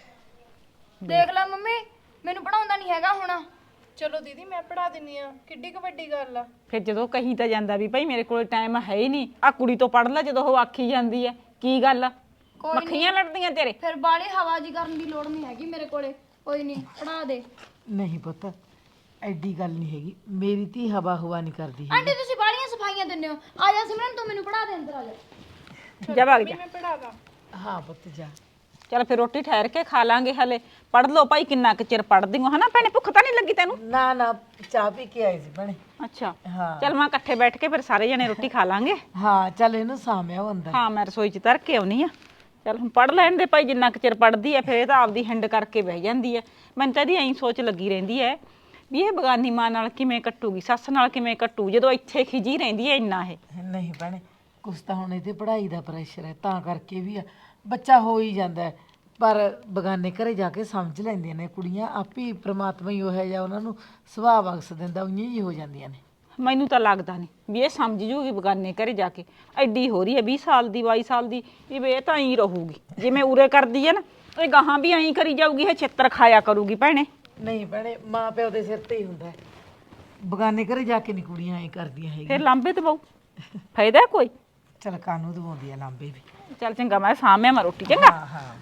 ਦੇਖ ਲੈ ਮੰਮੀ, ਮੈਨੂੰ ਪੜਾਉਂਦਾ ਨਹੀਂ ਹੈਗਾ ਹੁਣ। ਚਲੋ ਦੀਦੀ ਮੈਂ ਪੜ੍ਹਾ ਦਿੰਨੀ ਆ, ਕਿੱਡੀ ਕੁ ਵੱਡੀ ਗੱਲ ਆ। ਫਿਰ ਜਦੋਂ ਕਹੀ ਤਾਂ ਜਾਂਦਾ ਵੀ ਭਾਈ ਮੇਰੇ ਕੋਲ ਟਾਈਮ ਹੈ ਹੀ ਨਹੀਂ, ਆ ਕੁੜੀ ਤੋਂ ਪੜ ਲੈ, ਜਦੋਂ ਉਹ ਆਖੀ ਜਾਂਦੀ ਹੈ ਕੀ ਗੱਲ ਆ? ਕੋਈ ਮੱਖੀਆਂ ਲੜਦੀਆਂ ਤੇਰੇ। ਫਿਰ ਬਾਲੀ ਹਵਾ ਜੀ ਕਰਨ ਦੀ ਲੋੜ ਨਹੀਂ ਹੈਗੀ ਮੇਰੇ ਕੋਲੇ। ਕੋਈ ਨਹੀਂ, ਪੜਾ ਦੇ। ਨਹੀਂ ਪੁੱਤ, ਐਡੀ ਗੱਲ ਨਹੀਂ ਹੈਗੀ। ਮੇਰੀ ਧੀ ਹਵਾ ਹੁਆ ਨਹੀਂ ਕਰਦੀ ਹੈ। ਆਂਟੀ ਤੁਸੀਂ ਬਾਲੀਆਂ ਸਫਾਈਆਂ ਦਿੰਦੇ ਹੋ। ਆ ਜਾ ਸਿਮਰਨ, ਤੂੰ ਮੈਨੂੰ ਪੜਾ ਦੇ, ਅੰਦਰ ਆ ਜਾ। ਜਾ ਭਾਗ ਜਾ। ਮੈਂ ਪੜ੍ਹਾਦਾ। ਹਾਂ ਪੁੱਤ ਜਾ। ਚੱਲ ਫਿਰ ਰੋਟੀ ਠਹਿਰ ਕੇ ਖਾ ਲਾਂਗੇ, ਹਲੇ ਪੜ ਲਓ ਭਾਈ, ਕਿੰਨਾ ਕੁ ਚਿਰ ਪੜਦੀ ਹੋ ਹਨਾ ਭੈਣੇ? ਭੁੱਖ ਤਾਂ ਨਹੀਂ ਲੱਗੀ ਤੈਨੂੰ? ਨਾ ਨਾ, ਚਾਹ ਪੀ ਕੇ ਆਈ ਸੀ ਭੈਣੇ। ਅੱਛਾ ਹਾਂ ਚੱਲ ਮੈਂ ਇਕੱਠੇ ਬੈਠ ਕੇ ਫਿਰ ਸਾਰੇ ਜਣੇ ਰੋਟੀ ਖਾ ਲਾਂਗੇ। ਹਾਂ ਚੱਲ ਇਹਨੂੰ ਸਾਂਭਿਆ ਅੰਦਰ। ਹਾਂ ਮੈਂ ਰਸੋਈ 'ਚ ਧਰ ਕੇ ਆਉਣੀ ਆ। ਚੱਲ ਹੁਣ ਪੜ ਲੈਣ ਦੇ ਭਾਈ, ਜਿੰਨਾ ਕੁ ਚਿਰ ਪੜਦੀ ਹੈ ਫਿਰ ਇਹ ਤਾਂ ਆਪਦੀ ਹਿੰਡ ਕਰਕੇ ਬਹਿ ਜਾਂਦੀ ਹੈ। ਮੈਨੂੰ ਤਾਂ ਇਹਦੀ ਐਂ ਸੋਚ ਲੱਗੀ ਰਹਿੰਦੀ ਹੈ ਵੀ ਇਹ ਬਗਾਨੀ ਮਾਂ ਨਾਲ ਕਿਵੇਂ ਕੱਟੂਗੀ, ਸੱਸ ਨਾਲ ਕਿਵੇਂ ਕੱਟੂ, ਜਦੋਂ ਇੱਥੇ ਖਿਜੀ ਰਹਿੰਦੀ ਹੈ ਇੰਨਾ ਇਹ। ਨਹੀਂ ਭੈਣੇ, ਕੁਛ ਤਾਂ ਹੁਣ ਇਹਦੇ ਪੜ੍ਹਾਈ ਦਾ ਪ੍ਰੈਸ਼ਰ ਹੈ, ਤਾਂ ਕਰਕੇ ਵੀ ਆ। ਬੱਚਾ ਹੋ ਹੀ ਜਾਂਦਾ ਹੈ, ਪਰ ਬਗਾਨੇ ਘਰੇ ਜਾ ਕੇ ਸਮਝ ਲੈਂਦੀਆਂ ਨੇ ਕੁੜੀਆਂ। ਆਪੇ ਪ੍ਰਮਾਤਮਾ ਹੀ ਉਹ ਹੈ ਜਾਂ ਉਹਨਾਂ ਨੂੰ ਸੁਭਾਅ ਬਖਸ਼ ਦਿੰਦਾ, ਉਈਆਂ ਹੀ ਹੋ ਜਾਂਦੀਆਂ ਨੇ। ਮੈਨੂੰ ਤਾਂ ਲੱਗਦਾ ਨਹੀਂ ਵੀ ਇਹ ਸਮਝ ਜੂਗੀ ਬਗਾਨੇ ਘਰੇ ਜਾ ਕੇ। ਐਡੀ ਹੋ ਰਹੀ ਹੈ 20 ਸਾਲ ਦੀ 22 ਸਾਲ ਦੀ, ਵੀ ਇਹ ਤਾਂ ਐਂ ਰਹੂਗੀ ਜਿਵੇਂ ਉਰੇ ਕਰਦੀ ਹੈ ਨਾ, ਇਹ ਗਾਹਾਂ ਵੀ ਐਂ ਕਰੀ ਜਾਊਗੀ, ਇਹ ਛਿੱਤਰ ਖਾਇਆ ਕਰੂਗੀ ਭੈਣੇ। ਨਹੀਂ ਭੈਣੇ, ਮਾਂ ਪਿਓ ਦੇ ਸਿਰ ਤੇ ਹੀ ਹੁੰਦਾ ਹੈ। ਬਗਾਨੇ ਘਰੇ ਜਾ ਕੇ ਨਹੀਂ ਕੁੜੀਆਂ ਐਂ ਕਰਦੀਆਂ ਫਿਰ ਹੈਗੀਆਂ। ਲਾਂਬੇ ਤੇ ਬਹੁ ਫਾਇਦਾ ਕੋਈ? ਚਲ ਕਾਨੂੰ ਦਵਾਉਂਦੀ ਆ ਲਾਂਬੇ ਵੀ। ਚੱਲ ਚੰਗਾ, ਮੈਂ ਸਾਹਮਣੇ ਮੈਂ ਰੋਟੀ ਚੰਗਾ। ਹਾਂ ਹਾਂ।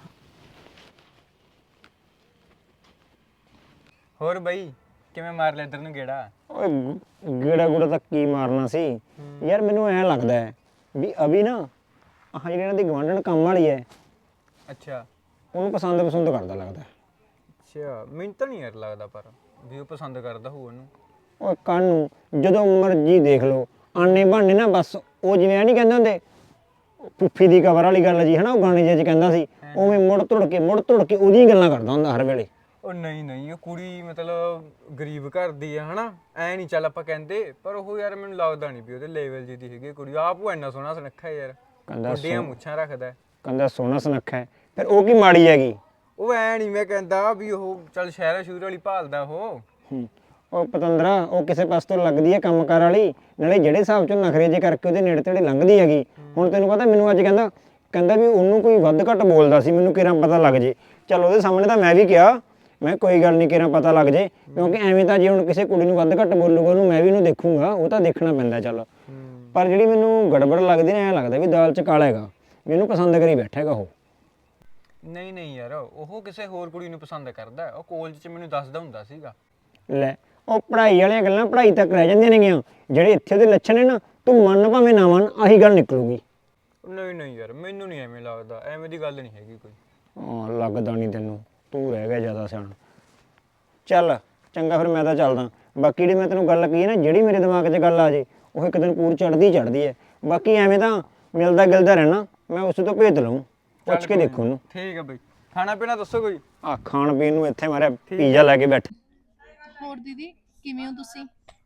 ਹੋਰ ਬਈ ਕਿਵੇਂ ਮਾਰ ਲਿਆ ਇੱਧਰ ਨੂੰ ਗੇੜਾ? ਓਏ ਗੇੜਾ ਗੂੜਾ ਤਾਂ ਕੀ ਮਾਰਨਾ ਸੀ ਯਾਰ। ਮੈਨੂੰ ਐਂ ਲੱਗਦਾ ਹੈ ਵੀ ਅਭੀ ਨਾ ਆਹ ਜਿਹੜੀ ਇਹਨਾਂ ਦੀ ਗਵਾਂਢਣ ਕੰਮ ਵਾਲੀ ਹੈ, ਅੱਛਾ ਉਹਨੂੰ ਪਸੰਦ ਕਰਦਾ ਲੱਗਦਾ। ਅੱਛਾ, ਮੈਨੂੰ ਤਾਂ ਨਹੀਂ ਯਾਰ ਲੱਗਦਾ ਪਰ ਵੀ ਉਹ ਪਸੰਦ ਕਰਦਾ ਹੋਊ ਉਹਨੂੰ। ਓਏ ਕੰਨ ਨੂੰ ਜਦੋਂ ਮਰਜੀ ਦੇਖ ਲਓ, ਆਨੇ ਬਹਾਨੇ ਨਾ ਬਸ ਉਹ ਜਿਵੇਂ ਆ ਨਹੀਂ ਕਹਿੰਦੇ ਹੁੰਦੇ ਪੁੱਫੀ ਦੀ ਕਬਰ ਵਾਲੀ ਗੱਲ ਜੀ, ਹਨਾ ਉਹ ਗਾਣੇ ਜਿਹੇ 'ਚ ਕਹਿੰਦਾ ਸੀ, ਉਵੇਂ ਮੁੜ ਤੁੜ ਕੇ ਉਹਦੀਆਂ ਗੱਲਾਂ ਕਰਦਾ ਹੁੰਦਾ ਹਰ ਵੇਲੇ। ਉਹ ਨਹੀਂ ਉਹ ਕੁੜੀ ਮਤਲਬ ਗਰੀਬ ਘਰ ਦੀ ਆ ਹਨਾ, ਐ ਨਹੀਂ ਚੱਲ ਆਪਾਂ ਕਹਿੰਦੇ, ਪਰ ਉਹ ਯਾਰ ਮੈਨੂੰ ਲੱਗਦਾ ਨਹੀਂ ਵੀ ਉਹਦੇ ਲੈਵਲ ਜੀ ਦੀ ਹੈਗੀ ਕੁੜੀ। ਆਪ ਉਹ ਇੰਨਾ ਸੋਹਣਾ ਸੁਨੱਖਾ ਯਾਰ, ਵੱਡੀਆਂ ਮੁੱਛਾਂ ਰੱਖਦਾ, ਕਹਿੰਦਾ ਸੋਹਣਾ ਸੁਨੱਖਾ ਹੈ, ਫਿਰ ਉਹ ਕੀ ਮਾੜੀ ਹੈਗੀ? ਉਹ ਐ ਨਹੀਂ ਮੈਂ ਕਹਿੰਦਾ ਵੀ ਉਹ ਚੱਲ ਸ਼ਹਿਰਾ ਸ਼ੂਰ ਵਾਲੀ ਭਾਲਦਾ ਉਹ। ਉਹ ਪਤੰਦਰਾ ਉਹ ਕਿਸੇ ਪਾਸੇ ਤੋਂ ਲੱਗਦੀ ਹੈ ਕੰਮਕਾਰ ਵਾਲੀ, ਨਾਲੇ ਜਿਹੜੇ ਹਿਸਾਬ ਚੋਂ ਨਖਰੇ ਜੇ ਕਰਕੇ ਉਹਦੇ ਨੇੜੇ ਤੇੜੇ ਲੰਘਦੀ ਹੈਗੀ। ਹੁਣ ਤੈਨੂੰ ਪਤਾ ਮੈਨੂੰ ਅੱਜ ਕਹਿੰਦਾ ਵੀ ਉਹਨੂੰ ਕੋਈ ਵੱਧ ਘੱਟ ਬੋਲਦਾ ਸੀ, ਮੈਨੂੰ ਕਿਰਾਂ ਪਤਾ ਲੱਗ ਜੇ। ਚੱਲ ਉਹਦੇ ਸਾਹਮਣੇ ਤਾਂ ਮੈਂ ਵੀ ਕਿਹਾ, ਮੈਂ ਕੋਈ ਗੱਲ ਨਹੀਂ ਕਿਰਾਂ ਪਤਾ ਲੱਗ ਜੇ, ਕਿਉਂਕਿ ਐਵੇਂ ਤਾਂ ਜੇ ਹੁਣ ਕਿਸੇ ਕੁੜੀ ਨੂੰ ਵੱਧ ਘੱਟ ਬੋਲੂਗਾ ਉਹਨੂੰ ਮੈਂ ਵੀ ਉਹਨੂੰ ਦੇਖੂੰਗਾ, ਉਹ ਤਾਂ ਦੇਖਣਾ ਪੈਂਦਾ। ਚੱਲ ਪਰ ਜਿਹੜੀ ਮੈਨੂੰ ਗੜਬੜ ਲੱਗਦੀ ਨਾ, ਐਂ ਲੱਗਦਾ ਵੀ ਦਾਲ 'ਚ ਕਾਲਾ ਹੈਗਾ, ਮੈਨੂੰ ਪਸੰਦ ਕਰੀ ਬੈਠਾ ਹੈਗਾ ਉਹ। ਨਹੀਂ ਯਾਰ, ਉਹ ਕਿਸੇ ਹੋਰ ਕੁੜੀ ਨੂੰ ਪਸੰਦ ਕਰਦਾ। ਉਹ ਕਾਲਜ 'ਚ ਮੈਨੂੰ ਦੱਸਦਾ ਹੁੰਦਾ ਸੀਗਾ। ਲੈ ਉਹ ਪੜ੍ਹਾਈ ਵਾਲੀਆਂ ਗੱਲਾਂ ਪੜ੍ਹਾਈ ਤੱਕ ਰਹਿ ਜਾਂਦੀਆਂ ਨੇਗੀਆਂ, ਜਿਹੜੇ ਇੱਥੇ ਦੇ ਲੱਛਣ ਨੇ ਨਾ ਤੂੰ ਮੰਨ ਭਾਵੇਂ ਨਾ ਮੰਨ ਆਹੀ ਗੱਲ ਨਿਕਲੂਗੀ। ਨਹੀਂ ਨਹੀਂ ਯਾਰ ਮੈਨੂੰ ਨਹੀਂ ਐਵੇਂ ਲੱਗਦਾ, ਐਵੇਂ ਦੀ ਗੱਲ ਨਹੀਂ ਹੈਗੀ ਕੋਈ। ਹਾਂ ਲੱਗਦਾ ਨਹੀਂ ਤੈਨੂੰ, ਤੂੰ ਰਹਿ ਗਿਆ ਜ਼ਿਆਦਾ ਸਿਆਣਾ। ਚੱਲ ਚੰਗਾ ਫਿਰ ਮੈਂ ਤਾਂ ਚੱਲਦਾ। ਬਾਕੀ ਜਿਹੜੀ ਮੈਂ ਤੈਨੂੰ ਗੱਲ ਕਹੀ ਨਾ, ਜਿਹੜੀ ਮੇਰੇ ਦਿਮਾਗ 'ਚ ਗੱਲ ਆ ਜੇ ਉਹ ਇੱਕ ਦਿਨ ਪੂਰ ਚੜ੍ਹਦੀ ਹੈ। ਬਾਕੀ ਐਵੇਂ ਤਾਂ ਮਿਲਦਾ ਗਿਲਦਾ ਰਹਿਣਾ, ਮੈਂ ਉਸ ਤੋਂ ਭੇਤ ਲਊਂ, ਪੁੱਛ ਕੇ ਦੇਖੋ ਉਹਨੂੰ। ਠੀਕ ਹੈ ਬਈ, ਖਾਣਾ ਪੀਣਾ ਦੱਸੋ ਕੋਈ। ਆ ਖਾਣ ਪੀਣ ਨੂੰ ਇੱਥੇ ਮਾਰਿਆ ਪੀਜ਼ਾ ਲੈ ਕੇ ਬੈਠ। ਹੋਰ ਦੀਦੀ ਕਿਵੇਂ ਹੋ ਤੁਸੀਂ?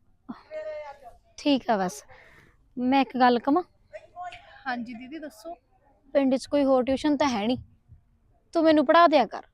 ਠੀਕ ਆ ਬਸ। ਮੈਂ ਇੱਕ ਗੱਲ ਕਵਾਂ, ਹਾਂਜੀ ਦੀਦੀ ਦੱਸੋ। ਪਿੰਡ 'ਚ ਕੋਈ ਹੋਰ ਟਿਊਸ਼ਨ ਤਾਂ ਹੈ ਨਹੀਂ, ਤੂੰ ਮੈਨੂੰ ਪੜ੍ਹਾ ਦਿਆ ਕਰ।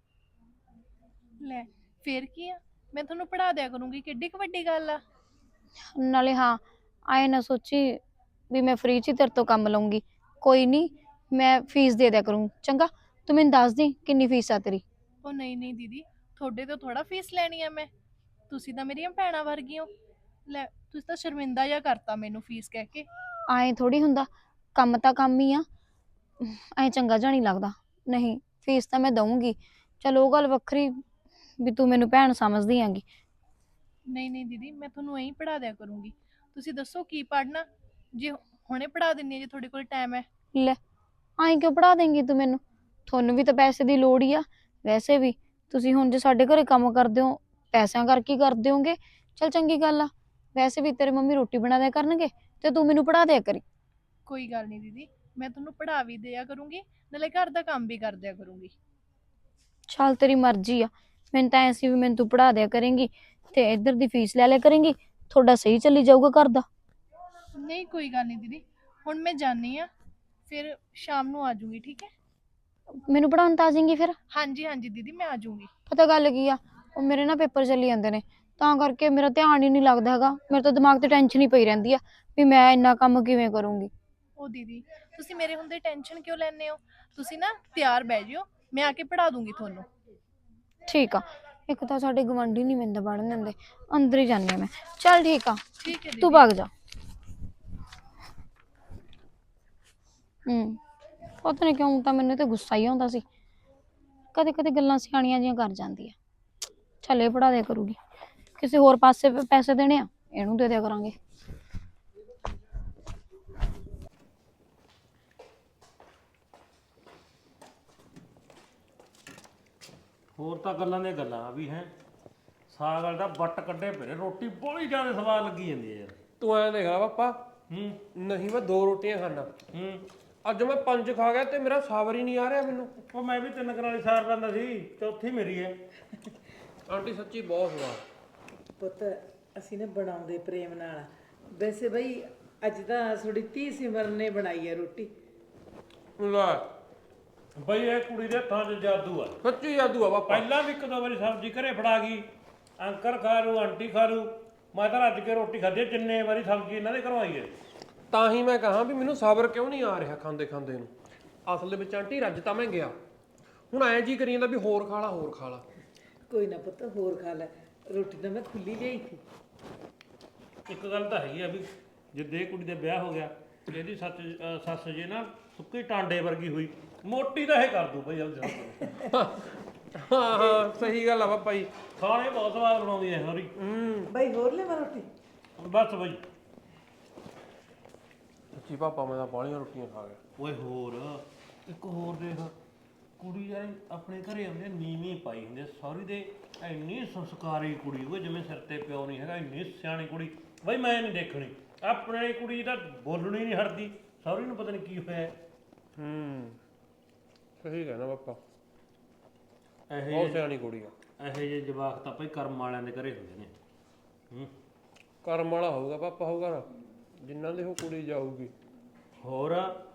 ਲੈ ਫੇਰ ਕੀ ਆ, ਮੈਂ ਤੁਹਾਨੂੰ ਪੜ੍ਹਾ ਦਿਆ ਕਰੂੰਗੀ, ਕਿੱਡੀ ਕੁ ਵੱਡੀ ਗੱਲ ਆ। ਨਾਲੇ ਹਾਂ, ਆਏ ਨਾ ਸੋਚੀ ਵੀ ਮੈਂ ਫ੍ਰੀ 'ਚ ਹੀ ਤੇਰੇ ਤੋਂ ਕੰਮ ਲਊਂਗੀ। ਕੋਈ ਨਹੀਂ, ਮੈਂ ਫੀਸ ਦੇ ਦਿਆ ਕਰੂੰ। ਚੰਗਾ, ਤੂੰ ਮੈਨੂੰ ਦੱਸ ਦੀ ਕਿੰਨੀ ਫੀਸ ਆ ਤੇਰੀ। ਉਹ ਨਹੀਂ ਨਹੀਂ ਦੀਦੀ, ਤੁਹਾਡੇ ਤੋਂ ਥੋੜਾ ਫੀਸ ਲੈਣੀ ਆ ਮੈਂ, ਤੁਸੀਂ ਤਾਂ ਮੇਰੀਆਂ ਭੈਣਾਂ ਵਰਗੀ ਹੋ। ਲੈ ਤੁਸੀਂ ਤਾਂ ਸ਼ਰਮਿੰਦਾ ਜਿਹਾ ਕਰਤਾ ਮੈਨੂੰ ਫੀਸ ਕਹਿ ਕੇ। ਆਏ ਥੋੜੀ ਹੁੰਦਾ, ਕੰਮ ਤਾਂ ਕੰਮ ਹੀ ਆ, ਐ ਚੰਗਾ ਜਿਹਾ ਨਹੀਂ ਲੱਗਦਾ। ਨਹੀਂ, ਫੀਸ ਤਾਂ ਮੈਂ ਦਊਂਗੀ। ਚਲੋ ਉਹ ਗੱਲ ਵੱਖਰੀ ਵੀ ਤੂੰ ਮੈਨੂੰ ਭੈਣ ਸਮਝਦੀ ਆਂਗੀ। ਨਹੀਂ ਨਹੀਂ ਦੀਦੀ, ਮੈਂ ਤੁਹਾਨੂੰ ਐਂ ਪੜ੍ਹਾ ਦਿਆ ਕਰੂੰਗੀ। ਤੁਸੀਂ ਦੱਸੋ ਕੀ ਪੜ੍ਹਨਾ, ਜੇ ਹੁਣੇ ਪੜ੍ਹਾ ਦਿੰਨੀ ਆ ਜੇ ਤੁਹਾਡੇ ਕੋਲ ਟਾਈਮ ਹੈ। ਲੈ ਆਏਂ ਕਿਉਂ ਪੜ੍ਹਾ ਦੇਂਗੀ ਤੂੰ ਮੈਨੂੰ, ਤੁਹਾਨੂੰ ਵੀ ਤਾਂ ਪੈਸੇ ਦੀ ਲੋੜ ਹੀ ਆ। ਵੈਸੇ ਵੀ ਤੁਸੀਂ ਹੁਣ ਜੇ ਸਾਡੇ ਘਰੇ ਕੰਮ ਕਰਦੇ ਹੋ, ਪੈਸਿਆਂ ਕਰਕੇ ਕਰਦੇ ਹੋਗੇ। ਚਲ ਚੰਗੀ ਗੱਲ ਆ। ਵੈਸੇ ਵੀ ਤੇਰੇ ਮੰਮੀ ਰੋਟੀ ਬਣਾ ਦਿਆ ਕਰਨਗੇ ਤੇ ਤੂੰ ਮੈਨੂੰ ਪੜ੍ਹਾ ਦਿਆ ਕਰੀ। ਕੋਈ ਗੱਲ ਨਹੀਂ ਦੀਦੀ, ਮੈਂ ਤੁਹਾਨੂੰ ਪੜ੍ਹਾ ਵੀ ਦਿਆ ਕਰੂੰਗੀ, ਨਾਲੇ ਘਰ ਦਾ ਕੰਮ ਵੀ ਕਰ ਦਿਆ ਕਰੂੰਗੀ। ਚੱਲ ਤੇਰੀ ਮਰਜ਼ੀ ਆ। ਮੈਨੂੰ ਤਾਂ ਐਂ ਸੀ ਵੀ ਮੈਨੂੰ ਤੂੰ ਪੜ੍ਹਾ ਦਿਆ ਕਰੇਂਗੀ ਤੇ ਇੱਧਰ ਦੀ ਫੀਸ ਲੈ ਲਿਆ ਕਰੇਂਗੀ, ਤੁਹਾਡਾ ਸਹੀ ਚੱਲੀ ਜਾਊਗਾ ਘਰ ਦਾ। ਨਹੀਂ ਕੋਈ ਗੱਲ ਨਹੀਂ ਦੀਦੀ, ਹੁਣ ਮੈਂ ਜਾਣੀ ਆ, ਫਿਰ ਸ਼ਾਮ ਨੂੰ ਆ ਜਾਊਂਗੀ, ਠੀਕ ਹੈ। ਮੈਨੂੰ ਪੜ੍ਹਾਉਣ ਤਾਂ ਆ ਜਾਏਂਗੀ ਫਿਰ। ਹਾਂਜੀ ਹਾਂਜੀ ਦੀਦੀ, ਮੈਂ ਆ ਜਾਊਂਗੀ। ਪਤਾ ਗੱਲ ਕੀ ਆ, ਉਹ ਮੇਰੇ ਨਾ ਪੇਪਰ ਚੱਲੀ ਜਾਂਦੇ ਨੇ, ਤਾਂ ਕਰਕੇ ਮੇਰਾ ਧਿਆਨ ਹੀ ਨਹੀਂ ਲੱਗਦਾ ਹੈਗਾ। ਮੇਰੇ ਤਾਂ ਦਿਮਾਗ ਤੇ ਟੈਨਸ਼ਨ ਹੀ ਪਈ ਰਹਿੰਦੀ ਆ ਵੀ ਮੈਂ ਇੰਨਾ ਕੰਮ ਕਿਵੇਂ ਕਰੂੰਗੀ। ਉਹ ਦੀਦੀ ਤੁਸੀਂ ਮੇਰੇ ਹੁੰਦੇ ਟੈਨਸ਼ਨ ਕਿਉਂ ਲੈਂਦੇ ਹੋ? ਤੁਸੀਂ ਨਾ ਤਿਆਰ ਬਹਿ ਜਿਓ, ਮੈਂ ਆ ਕੇ ਪੜ੍ਹਾ ਦੂੰਗੀ ਤੁਹਾਨੂੰ। ਠੀਕ ਆ। ਇੱਕ ਤਾਂ ਸਾਡੇ ਗਵਾਂਢੀ ਨਹੀਂ ਮੈਨੂੰ ਪੜ੍ਹਨ ਦਿੰਦੇ, ਅੰਦਰ ਹੀ ਜਾਂਦੀ ਆ ਮੈਂ। ਚੱਲ ਠੀਕ ਆ, ਠੀਕ ਹੈ ਤੂੰ ਦੀਦੀ। ਭੱਗ ਜਾ। ਪਤਾ ਨਹੀਂ ਕਿਉਂ ਤਾਂ ਮੈਨੂੰ ਤੇ ਗੁੱਸਾ ਹੀ ਆਉਂਦਾ ਸੀ। ਕਦੇ ਕਦੇ ਗੱਲਾਂ ਸਿਆਣੀਆਂ ਜਿਹੀਆਂ ਕਰ ਜਾਂਦੀ ਆ। ਚੱਲ ਇਹ ਪੜ੍ਹਾ ਦਿਆ ਕਰੂਗੀ, ਕਿਸੇ ਹੋਰ ਪਾਸੇ ਪੈਸੇ ਦੇਣੇ ਆ ਇਹਨੂੰ ਦੇ ਦਿਆ ਕਰਾਂਗੇ। ਹੋਰ ਤਾਂ ਗੱਲਾਂ ਦੀਆਂ ਗੱਲਾਂ ਵੀ ਹੈ। ਸਾਗ ਵਾਲ ਦਾ ਵੱਟ ਕੱਢੇ ਪਏ ਨੇ, ਰੋਟੀ ਬੜੀ ਜ਼ਿਆਦਾ ਸਵਾਦ ਲੱਗੀ ਜਾਂਦੀ ਹੈ ਯਾਰ। ਤੂੰ ਐਂ ਦੇਖ ਲਾ ਪਾਪਾ, ਹੂੰ ਨਹੀਂ ਮੈਂ 2 ਰੋਟੀਆਂ ਖਾਣਾ, ਹੂੰ ਅੱਜ ਮੈਂ 5 ਖਾ ਗਿਆ ਤੇ ਮੇਰਾ ਸਾਬਰ ਹੀ ਨਹੀਂ ਆ ਰਿਹਾ ਮੈਨੂੰ। ਉਹ ਮੈਂ ਵੀ 3 ਕਨਾਲੀ ਸਾਰ ਲੈਂਦਾ ਸੀ, ਚੌਥੀ ਮੇਰੀ ਹੈ। ਆਂਟੀ ਸੱਚੀ ਬਹੁਤ ਸਵਾਦ। ਪੁੱਤ ਅਸੀਂ ਨੇ ਬਣਾਉਂਦੇ ਪ੍ਰੇਮ ਨਾਲ। ਵੈਸੇ ਬਈ ਅੱਜ ਤਾਂ ਥੋੜੀ ਧੀ ਸਿਮਰਨ ਨੇ ਬਣਾਈ ਹੈ ਰੋਟੀ। ਲੈ ਬਈ ਇਹ ਕੁੜੀ ਦੇ ਹੱਥਾਂ 'ਚ ਜਾਦੂ ਆ, ਸੱਚੀ ਜਾਦੂ ਆ ਪਾਪਾ। ਪਹਿਲਾਂ ਵੀ 1-2 ਵਾਰੀ ਸਬਜ਼ੀ ਘਰੇ ਫੜਾ ਗਈ, ਅੰਕਲ ਖਾ ਲੂ, ਆਂਟੀ ਖਾ ਲੂ। ਮੈਂ ਤਾਂ ਰੱਜ ਕੇ ਰੋਟੀ ਖਾਧੀ, ਜਿੰਨੇ ਵਾਰੀ ਸਬਜ਼ੀ ਇਹਨਾਂ ਦੇ ਘਰੋਂ ਆਈ ਹੈ। ਤਾਂ ਹੀ ਮੈਂ ਕਹਾਂ ਵੀ ਮੈਨੂੰ ਸਾਬਰ ਕਿਉਂ ਨਹੀਂ ਆ ਰਿਹਾ ਖਾਂਦੇ ਖਾਂਦੇ ਨੂੰ। ਅਸਲ ਦੇ ਵਿੱਚ ਆਂਟੀ ਰੱਜ ਤਾਂ ਮੈਂ ਗਿਆ, ਹੁਣ ਐਂ ਜੀ ਕਰੀ ਜਾਂਦਾ ਵੀ ਹੋਰ ਖਾ ਲਾ ਹੋਰ ਖਾ ਲਾ। ਕੋਈ ਨਾ ਪੁੱਤ ਹੋਰ ਖਾ ਲੈ, ਰੋਟੀ ਤਾਂ ਮੈਂ ਖੁੱਲੀ ਲਈ ਸੀ। ਇੱਕ ਗੱਲ ਤਾਂ ਹੈਗੀ ਆ ਵੀ ਜਿੱਦੇ ਇਹ ਕੁੜੀ ਦਾ ਵਿਆਹ ਹੋ ਗਿਆ, ਇਹਦੀ ਸੱਸ ਜੇ ਨਾ ਸੁੱਕੀ ਟਾਂਡੇ ਵਰਗੀ ਹੋਈ, ਮੋਟੀ ਤਾਂ ਇਹ ਕਰ ਦੂ ਬਈ। ਹਾਂ ਹਾਂ ਸਹੀ ਗੱਲ ਆ ਪਾਪਾ ਜੀ। ਖਾਣੇ ਬਹੁਤ ਸਵਾਦ ਬਣਾਉਂਦੀ ਐ ਹੋਰੀ। ਬਈ ਹੋਰ ਲੈ ਰੋਟੀ। ਬਸ ਬਈ। ਸੱਚੀ ਪਾਪਾ ਮੈਂ ਤਾਂ ਬਾਹਲੀਆਂ ਰੋਟੀਆਂ ਖਾ ਗਿਆ। ਓਏ ਹੋਰ ਇੱਕ ਹੋਰ ਦੇਖ, ਕੁੜੀ ਯਾਰ ਆਪਣੇ ਘਰੇ ਆਉਂਦੇ ਨੀਵੀਂ ਪਾਈ ਹੁੰਦੇ ਸਹੁਰੀ ਦੇ, ਇੰਨੀ ਸੰਸਕਾਰੀ ਕੁੜੀ ਓਏ, ਜਿਵੇਂ ਸਿਰ ਤੇ ਪਿਓ ਨਹੀਂ ਹੈਗਾ, ਇੰਨੀ ਸਿਆਣੀ ਕੁੜੀ ਬਈ ਮੈਂ ਨਹੀਂ ਦੇਖਣੀ। ਆਪਣੇ ਵਾਲੀ ਕੁੜੀ ਤਾਂ ਬੋਲਣੀ ਨਹੀਂ ਹਟਦੀ, ਸਹੁਰੀ ਨੂੰ ਪਤਾ ਨਹੀਂ ਕੀ ਹੋਇਆ। ਸਹੀ ਕਹਿਣਾ ਪਾਪਾ, ਇਹੋ ਬਹੁਤ ਸਿਆਣੀ ਕੁੜੀ ਆ। ਇਹੋ ਜਿਹੇ ਜਵਾਕ ਤਾਂ ਭਾਈ ਕਰਮ ਵਾਲਿਆਂ ਦੇ ਘਰੇ ਹੁੰਦੇ ਨੇ। ਕਰਮ ਵਾਲਾ ਹੋਊਗਾ ਪਾਪਾ, ਹੋਊਗਾ ਨਾ ਜਿਨ੍ਹਾਂ ਦੇ ਉਹ ਕੁੜੀ ਜਾਊਗੀ। ਹੋਰ